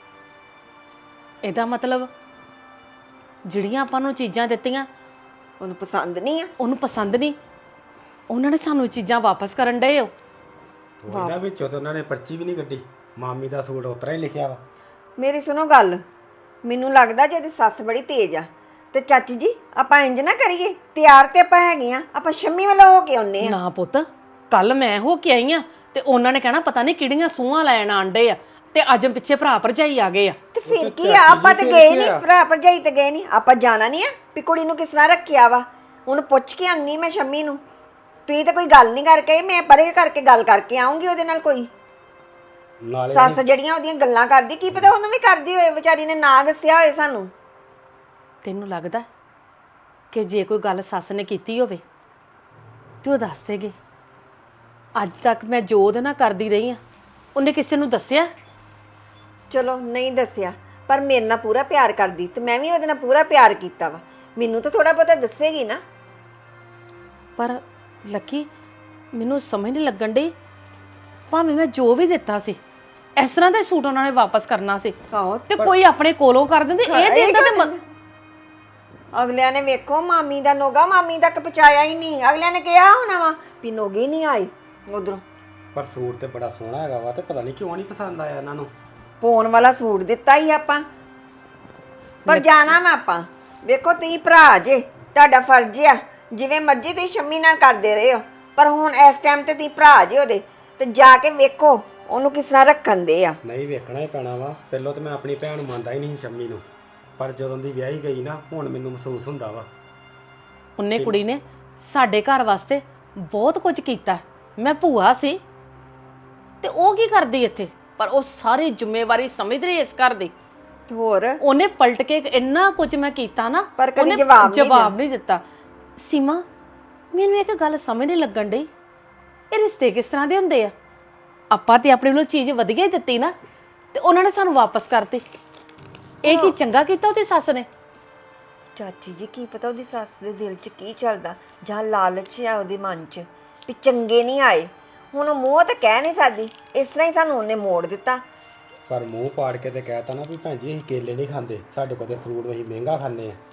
Speaker 1: ਇਹਦਾ ਮਤਲਬ ਜਿਹੜੀਆਂ ਆਪਾਂ ਨੂੰ ਚੀਜ਼ਾਂ ਦਿੱਤੀਆਂ
Speaker 7: ਉਹਨੂੰ ਪਸੰਦ ਨਹੀਂ ਆ।
Speaker 1: ਉਹਨੂੰ ਪਸੰਦ ਨਹੀਂ, ਉਹਨਾਂ ਨੇ ਸਾਨੂੰ ਇਹ ਚੀਜ਼ਾਂ ਵਾਪਸ ਕਰਨ ਡਏ ਹੋ।
Speaker 8: ਉਹਨਾਂ ਵਿੱਚੋਂ ਤਾਂ ਉਹਨਾਂ ਨੇ ਪਰਚੀ ਵੀ ਨਹੀਂ ਕੱਢੀ, ਮਾਮੀ ਦਾ ਸੂਟ ਉਤਰਾ ਹੀ ਲਿਖਿਆ ਵਾ।
Speaker 7: ਮੇਰੀ ਸੁਣੋ ਗੱਲ, ਮੈਨੂੰ ਲੱਗਦਾ ਜੇ ਉਹਦੀ ਸੱਸ ਬੜੀ ਤੇਜ਼ ਆ। ਤੇ ਚਾਚੀ ਜੀ ਆਪਾਂ ਇੰਜ ਨਾ ਕਰੀਏ, ਤਿਆਰ ਤੇ ਆਪਾਂ ਹੈਗੇ ਆ, ਆਪਾਂ ਸ਼ੰਮੀ ਵੱਲੋਂ ਹੋ ਕੇ ਆਉਨੇ ਆ।
Speaker 1: ਨਾ ਪੁੱਤ, ਕੱਲ ਮੈਂ ਹੋ ਕੇ ਆਈ ਆ ਤੇ ਉਹਨਾਂ ਨੇ ਕਹਿਣਾ ਪਤਾ ਨਹੀਂ ਕਿਹੜੀਆਂ ਸੂਹਾਂ ਲੈਣ ਆਂਡੇ ਆ, ਤੇ ਅੱਜ ਪਿੱਛੇ ਭਰਾ ਭਰਜਾਈ ਆ ਗਏ ਆ।
Speaker 7: ਤੇ ਫਿਰ ਕੀ ਆ, ਆਪਾਂ ਤੇ ਗਏ ਨਹੀਂ, ਭਰਾ ਭਰਜਾਈ ਤੇ ਗਏ ਨਹੀਂ, ਆਪਾਂ ਜਾਣਾ ਨਹੀਂ ਆ ਵੀ ਕੁੜੀ ਨੂੰ ਕਿਸ ਤਰ੍ਹਾਂ ਰੱਖਿਆ ਵਾ। ਉਹਨੂੰ ਪੁੱਛ ਕੇ ਆਉਣੀ ਮੈਂ ਸ਼ੰਮੀ ਨੂੰ। ਤੁਸੀਂ ਤਾਂ ਕੋਈ ਗੱਲ ਨਹੀਂ ਕਰਕੇ, ਮੈਂ ਪਰੇ ਕਰਕੇ ਗੱਲ ਕਰਕੇ ਆਉਂਗੀ ਉਹਦੇ ਨਾਲ। ਕੋਈ
Speaker 8: ਨਾਲੇ
Speaker 7: ਸੱਸ ਜਿਹੜੀਆਂ ਉਹਦੀਆਂ ਗੱਲਾਂ ਕਰਦੀ, ਕੀ ਪਤਾ ਉਹਨੂੰ ਵੀ ਕਰਦੀ ਹੋਏ, ਵਿਚਾਰੀ ਨੇ ਨਾ ਦੱਸਿਆ ਹੋਏ ਸਾਨੂੰ।
Speaker 1: ਤੈਨੂੰ ਲੱਗਦਾ ਕਿ ਜੇ ਕੋਈ ਗੱਲ ਸੱਸ ਨੇ ਕੀਤੀ ਹੋਵੇ ਤੇ ਉਹ ਦੱਸ ਦੇਗੀ? ਅੱਜ ਤੱਕ ਮੈਂ ਜੋ ਉਹਦੇ ਨਾਲ ਕਰਦੀ ਰਹੀ ਆ, ਉਹਨੇ ਕਿਸੇ ਨੂੰ ਦੱਸਿਆ?
Speaker 7: ਚਲੋ ਨਹੀਂ ਦੱਸਿਆ, ਪਰ ਮੇਰੇ ਨਾਲ ਪੂਰਾ ਪਿਆਰ ਕਰਦੀ ਤੇ ਮੈਂ ਵੀ ਉਹਦੇ ਨਾਲ ਪੂਰਾ ਪਿਆਰ ਕੀਤਾ ਵਾ। ਮੈਨੂੰ ਤਾਂ ਥੋੜਾ ਬਹੁਤਾ ਦੱਸੇਗੀ ਨਾ।
Speaker 1: ਪਰ ਲੱਕੀ, ਮੈਨੂੰ ਸਮਝ ਨਹੀਂ ਲੱਗਣ ਡਈ, ਭਾਵੇਂ ਮੈਂ ਜੋ ਵੀ ਦਿੱਤਾ ਸੀ ਇਸ ਤਰ੍ਹਾਂ ਦਾ ਹੀ ਸੂਟ ਉਹਨਾਂ ਨੇ ਵਾਪਸ ਕਰਨਾ ਸੀ
Speaker 7: ਆਹੋ,
Speaker 1: ਤੇ ਕੋਈ ਆਪਣੇ ਕੋਲੋਂ ਕਰ ਦਿੰਦੇ। ਇਹ ਦਿੰਦਾ ਤੇ ਮ-
Speaker 7: ਅਗਲਿਆਂ ਨੇ ਵੇਖੋ ਮਾਮੀ ਦਾ ਨੋਗਾ ਮਾਮੀ ਤੱਕ ਪਹੁੰਚਾਇਆ ਹੀ ਨਹੀਂ। ਅਗਲਿਆਂ ਨੇ ਕਿਹਾ ਹੋਣਾ ਵਾ ਵੀ ਨੋਗੇ ਨਹੀਂ ਆਏ ਉਧਰੋਂ।
Speaker 8: ਪਰ ਸੂਟ ਤੇ ਬੜਾ ਸੋਹਣਾ ਹੈਗਾ ਵਾ, ਤੇ ਪਤਾ ਨਹੀਂ ਕਿਉਂ ਨਹੀਂ ਪਸੰਦ ਆਇਆ ਇਹਨਾਂ ਨੂੰ।
Speaker 7: ਪੋਣ ਵਾਲਾ ਸੂਟ ਦਿੱਤਾ ਹੀ ਆਪਾਂ, ਪਰ ਜਾਣਾ ਵਾ ਆਪਾਂ। ਵੇਖੋ ਤੁਸੀਂ ਭਰਾ ਜੇ, ਤੁਹਾਡਾ ਫਰਜ਼ ਆ, ਜਿਵੇਂ ਮਰਜ਼ੀ ਤੁਸੀਂ ਸ਼ੰਮੀ ਨਾਲ ਕਰਦੇ ਰਹੇ ਹੋ, ਪਰ ਹੁਣ ਇਸ ਟਾਈਮ ਤੇ ਤੁਸੀਂ ਭਰਾ ਜੇ ਉਹਦੇ, ਤੇ ਜਾ ਕੇ ਵੇਖੋ ਉਹਨੂੰ ਕਿਸ ਤਰ੍ਹਾਂ ਰੱਖਣ ਦੇ ਆ।
Speaker 8: ਨਹੀਂ ਵੇਖਣਾ ਹੀ ਪੈਣਾ ਵਾ। ਪਹਿਲਾਂ ਤਾਂ ਮੈਂ ਆਪਣੀ ਭੈਣ ਨੂੰ ਮੰਨਦਾ ਹੀ ਨਹੀਂ ਸੀ ਸ਼ੰਮੀ ਨੂੰ, ਪਰ ਜਦੋਂ ਦੀ ਵਿਆਹੀ ਗਈ ਨਾ, ਹੁਣ ਮੈਨੂੰ ਮਹਿਸੂਸ ਹੁੰਦਾ ਵਾ।
Speaker 1: ਉਹਨੇ ਕੁੜੀ ਨੇ ਸਾਡੇ ਘਰ ਵਾਸਤੇ ਬਹੁਤ ਕੁਝ ਕੀਤਾ। ਮੈਂ ਭੂਆ ਸੀ ਤੇ ਉਹ ਕੀ ਕਰਦੀ ਇੱਥੇ, ਪਰ ਉਹ ਸਾਰੀ ਜ਼ਿੰਮੇਵਾਰੀ ਸਮਝਦੀ ਰਹੀ ਇਸ ਘਰ ਦੀ।
Speaker 7: ਤੇ ਹੋਰ
Speaker 1: ਉਹਨੇ ਪਲਟ ਕੇ ਇੰਨਾ ਕੁਝ ਮੈਂ ਕੀਤਾ ਨਾ,
Speaker 7: ਪਰ ਕਦੀ
Speaker 1: ਉਹਨੇ
Speaker 7: ਜਵਾਬ ਨਹੀਂ
Speaker 1: ਜਵਾਬ ਨਹੀਂ ਦਿੱਤਾ। ਸੀਮਾ, ਮੈਨੂੰ ਇੱਕ ਗੱਲ ਸਮਝ ਨਹੀਂ ਲੱਗਣ ਡਈ, ਇਹ ਰਿਸ਼ਤੇ ਕਿਸ ਤਰ੍ਹਾਂ ਦੇ ਹੁੰਦੇ ਆ? ਆਪਾਂ ਤੇ ਆਪਣੇ ਵੱਲੋਂ ਚੀਜ਼ ਵਧੀਆ ਹੀ ਦਿੱਤੀ ਨਾ, ਤੇ ਉਹਨਾਂ ਨੇ ਸਾਨੂੰ ਵਾਪਸ ਕਰਤੀ। ਇਹ ਕੀ ਚੰਗਾ ਕੀਤਾ ਉਹਦੀ ਸੱਸ ਨੇ?
Speaker 7: ਚਾਚੀ ਜੀ ਕੀ ਪਤਾ ਉਹਦੀ ਸੱਸ ਦੇ ਦਿਲ 'ਚ ਕੀ ਚੱਲਦਾ, ਜਾਂ ਲਾਲਚ ਆ ਉਹਦੇ ਮਨ 'ਚ ਵੀ ਚੰਗੇ ਨਹੀਂ ਆਏ। ਹੁਣ ਉਹ ਮੂੰਹ ਤਾਂ ਕਹਿ ਨਹੀਂ ਸਕਦੀ, ਇਸ ਤਰ੍ਹਾਂ ਹੀ ਸਾਨੂੰ ਉਹਨੇ ਮੋੜ ਦਿੱਤਾ।
Speaker 8: ਪਰ ਮੂੰਹ ਪਾੜ ਕੇ ਤੇ ਕਹਿਤਾ ਨਾ ਵੀ ਭੈਣ ਜੀ ਅਸੀਂ ਕੇਲੇ ਨਹੀਂ ਖਾਂਦੇ, ਸਾਡੇ ਕੋਲ ਤੇ ਫਰੂਟ ਅਸੀਂ ਮਹਿੰਗਾ ਖਾਂਦੇ ਆ।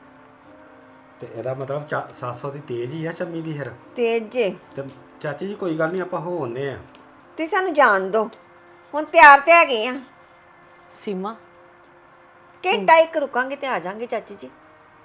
Speaker 8: ਤੇ ਇਹਦਾ ਮਤਲਬ ਚਾ- ਸੱਸ ਉਹਦੀ ਤੇਜ਼ ਹੀ ਆ ਸ਼ੰਮੀ ਦੀ। ਫਿਰ
Speaker 7: ਤੇ ਜੇ
Speaker 8: ਤੇ ਚਾਚੀ ਜੀ ਕੋਈ ਗੱਲ ਨਹੀਂ, ਆਪਾਂ ਹੋ ਆਉਂਦੇ ਆ।
Speaker 7: ਤੁਸੀਂ ਸਾਨੂੰ ਜਾਣ ਦਿਓ, ਹੁਣ ਤਿਆਰ ਤੇ ਹੈਗੇ ਆ।
Speaker 1: ਸੀਮਾ,
Speaker 7: ਘੰਟਾ ਇੱਕ ਰੁਕਾਂਗੇ ਤੇ ਆ ਜਾਾਂਗੇ ਚਾਚੀ ਜੀ।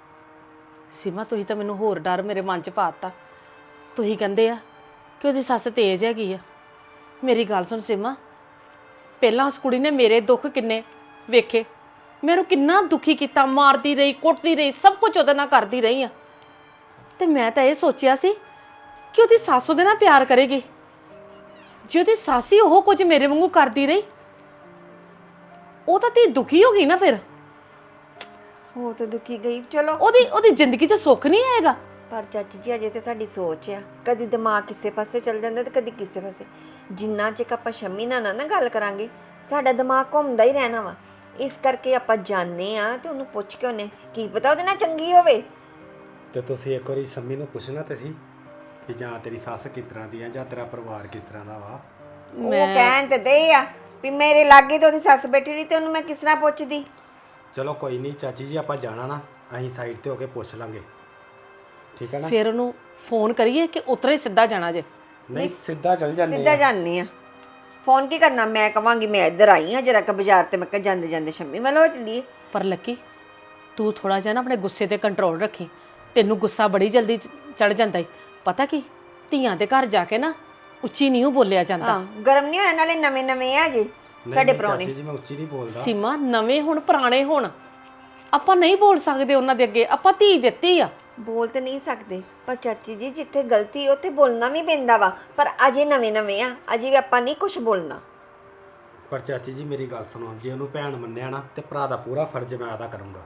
Speaker 1: ਸੀਮਾ ਤੁਸੀਂ ਤਾਂ ਮੈਨੂੰ ਹੋਰ ਡਰ ਮੇਰੇ ਮਨ 'ਚ ਪਾਤਾ। ਤੁਸੀਂ ਕਹਿੰਦੇ ਆ ਕਿ ਉਹਦੀ ਸੱਸ ਤੇਜ਼ ਹੈਗੀ ਆ। ਮੇਰੀ ਗੱਲ ਸੁਣ ਸੀਮਾ, ਪਹਿਲਾਂ ਉਸ ਕੁੜੀ ਨੇ ਮੇਰੇ ਦੁੱਖ ਕਿੰਨੇ ਵੇਖੇ, ਮੈਨੂੰ ਕਿੰਨਾ ਦੁਖੀ ਕੀਤਾ, ਮਾਰਦੀ ਰਹੀ, ਕੁੱਟਦੀ ਰਹੀ, ਸਭ ਕੁਝ ਉਹਦੇ ਨਾਲ ਕਰਦੀ ਰਹੀ ਆ। ਤੇ ਮੈਂ ਤਾਂ ਇਹ ਸੋਚਿਆ ਸੀ ਕਿ ਉਹਦੀ ਸੱਸ ਉਹਦੇ ਨਾਲ ਪਿਆਰ ਕਰੇਗੀ। ਜੇ ਉਹਦੀ ਸਾਸੀ ਉਹ ਕੁਝ ਮੇਰੇ ਵਾਂਗੂ ਕਰਦੀ ਰਹੀ, ਉਹ ਤਾਂ ਧੀ ਦੁਖੀ ਹੋ ਗਈ ਨਾ ਫਿਰ।
Speaker 7: ਹੋ ਤਾਂ ਦੁਖੀ ਗਈ, ਚਲੋ।
Speaker 1: ਉਹਦੀ ਉਹਦੀ ਜ਼ਿੰਦਗੀ 'ਚ ਸੁੱਖ ਨਹੀਂ ਆਏਗਾ।
Speaker 7: ਪਰ ਚਾਚੀ ਜੀ ਅਜੇ ਤੇ ਸਾਡੀ ਸੋਚ ਆ, ਕਦੀ ਦਿਮਾਗ ਕਿਸੇ ਪਾਸੇ ਚੱਲ ਜਾਂਦਾ ਤੇ ਕਦੀ ਕਿਸੇ ਪਾਸੇ। ਜਿੰਨਾ ਚਿਰ ਆਪਾਂ ਸ਼ੰਮੀ ਨਾਲ ਨਾ ਨਾ ਗੱਲ ਕਰਾਂਗੇ, ਸਾਡਾ ਦਿਮਾਗ ਘੁੰਮਦਾ ਹੀ ਰਹਿਣਾ ਵਾ। ਇਸ ਕਰਕੇ ਆਪਾਂ ਜਾਣਦੇ ਆ ਤੇ ਉਹਨੂੰ ਪੁੱਛ ਕੇ ਉਹਨੇ ਕੀ ਪਤਾ ਉਹਦੇ ਨਾਲ ਚੰਗੀ ਹੋਵੇ।
Speaker 8: ਤੇ ਤੁਸੀਂ ਇੱਕ ਵਾਰੀ ਸ਼ੰਮੀ ਨੂੰ ਪੁੱਛਣਾ ਤੇ ਸੀ ਕਿ ਜਾਂ ਤੇਰੀ ਸੱਸ ਕਿਸ ਤਰ੍ਹਾਂ ਦੀ ਆ ਜਾਂ ਤੇਰਾ ਪਰਿਵਾਰ ਕਿਸ ਤਰ੍ਹਾਂ ਦਾ ਵਾ।
Speaker 7: ਉਹ ਕਹਿਣ ਤੇ ਦੇ ਆ ਵੀ ਮੇਰੇ ਲਾਗੇ ਤੇ ਉਹਦੀ ਸੱਸ ਬੈਠੀ ਰਹੀ ਤੇ ਉਹਨੂੰ ਮੈਂ ਕਿਸ ਤਰ੍ਹਾਂ ਪੁੱਛਦੀ।
Speaker 8: ਚਲੋ ਕੋਈ ਨਹੀਂ ਚਾਚੀ ਜੀ, ਆਪਾਂ ਜਾਣਾ ਨਾ, ਅਸੀਂ ਸਾਈਡ ਤੇ ਹੋ ਕੇ ਪੁੱਛ ਲਾਂਗੇ, ਠੀਕ ਹੈ ਨਾ।
Speaker 1: ਫਿਰ ਉਹਨੂੰ ਫੋਨ ਕਰੀਏ ਕਿ ਉਤਰੇ ਸਿੱਧਾ ਜਾਣਾ ਜੇ?
Speaker 8: ਨਹੀਂ ਸਿੱਧਾ ਚੱਲ ਜਾਂਦੇ
Speaker 7: ਸਿੱਧਾ
Speaker 8: ਆ।
Speaker 7: ਜਾਣੀ ਆ। ਫੋਨ ਕੀ ਕਰਨਾ, ਮੈਂ ਕਵਾਂਗੀ ਮੈਂ ਇੱਧਰ ਆਈ ਹਾਂ ਜਰਾ ਕ ਬਾਜ਼ਾਰ ਤੇ, ਮੈਂ ਕਿਹਾ ਜਾਂਦੇ ਜਾਂਦੇ ਸ਼ੰਮੀ ਵੱਲ ਹੋ ਚੱਲੀਏ।
Speaker 1: ਪਰ ਲੱਕੀ, ਤੂੰ ਥੋੜਾ ਜਿਹਾ ਨਾ ਆਪਣੇ ਗੁੱਸੇ ਤੇ ਕੰਟਰੋਲ ਰੱਖੀ। ਤੈਨੂੰ ਗੁੱਸਾ ਬੜੀ ਜਲਦੀ ਚੜ ਜਾਂਦਾ ਈ। ਪਤਾ ਕੀ, ਧੀਆਂ ਦੇ ਘਰ ਜਾ ਕੇ ਨਾ ਉੱਚੀ ਨਹੀਂ ਉਹ ਬੋਲਿਆ ਜਾਂਦਾ।
Speaker 7: ਹਾਂ, ਗਰਮ ਨਹੀਂ ਹੋਇਆ, ਨਾਲੇ ਨਵੇਂ ਨਵੇਂ ਆ ਜੀ ਸਾਡੇ ਪ੍ਰਾਹੁਣੇ।
Speaker 8: ਚਾਚੀ ਜੀ ਮੈਂ ਉੱਚੀ ਨਹੀਂ ਬੋਲਦਾ।
Speaker 1: ਸੀਮਾ, ਨਵੇਂ ਹੁਣ ਪੁਰਾਣੇ ਹੁਣ ਆਪਾਂ ਨਹੀਂ ਬੋਲ ਸਕਦੇ ਉਹਨਾਂ ਦੇ ਅੱਗੇ। ਆਪਾਂ ਧੀ ਦਿੱਤੀ ਆ।
Speaker 7: ਬੋਲ ਤੇ ਨਹੀਂ ਸਕਦੇ, ਪਰ ਚਾਚੀ ਜੀ ਜਿੱਥੇ ਗਲਤੀ ਉੱਥੇ ਬੋਲਣਾ ਵੀ ਪੈਂਦਾ ਵਾ। ਪਰ ਅਜੇ ਨਵੇਂ ਨਵੇਂ ਆ, ਅਜੇ ਵੀ ਆਪਾਂ ਨਹੀਂ ਕੁਝ ਬੋਲਣਾ।
Speaker 8: ਪਰ ਚਾਚੀ ਜੀ ਮੇਰੀ ਗੱਲ ਸੁਣੋ, ਜੇ ਉਹਨੂੰ ਭੈਣ ਮੰਨਿਆ ਨਾ ਤੇ ਭਰਾ ਦਾ ਪੂਰਾ ਫਰਜ਼ ਮੈਂ ਅਦਾ ਕਰੂੰਗਾ,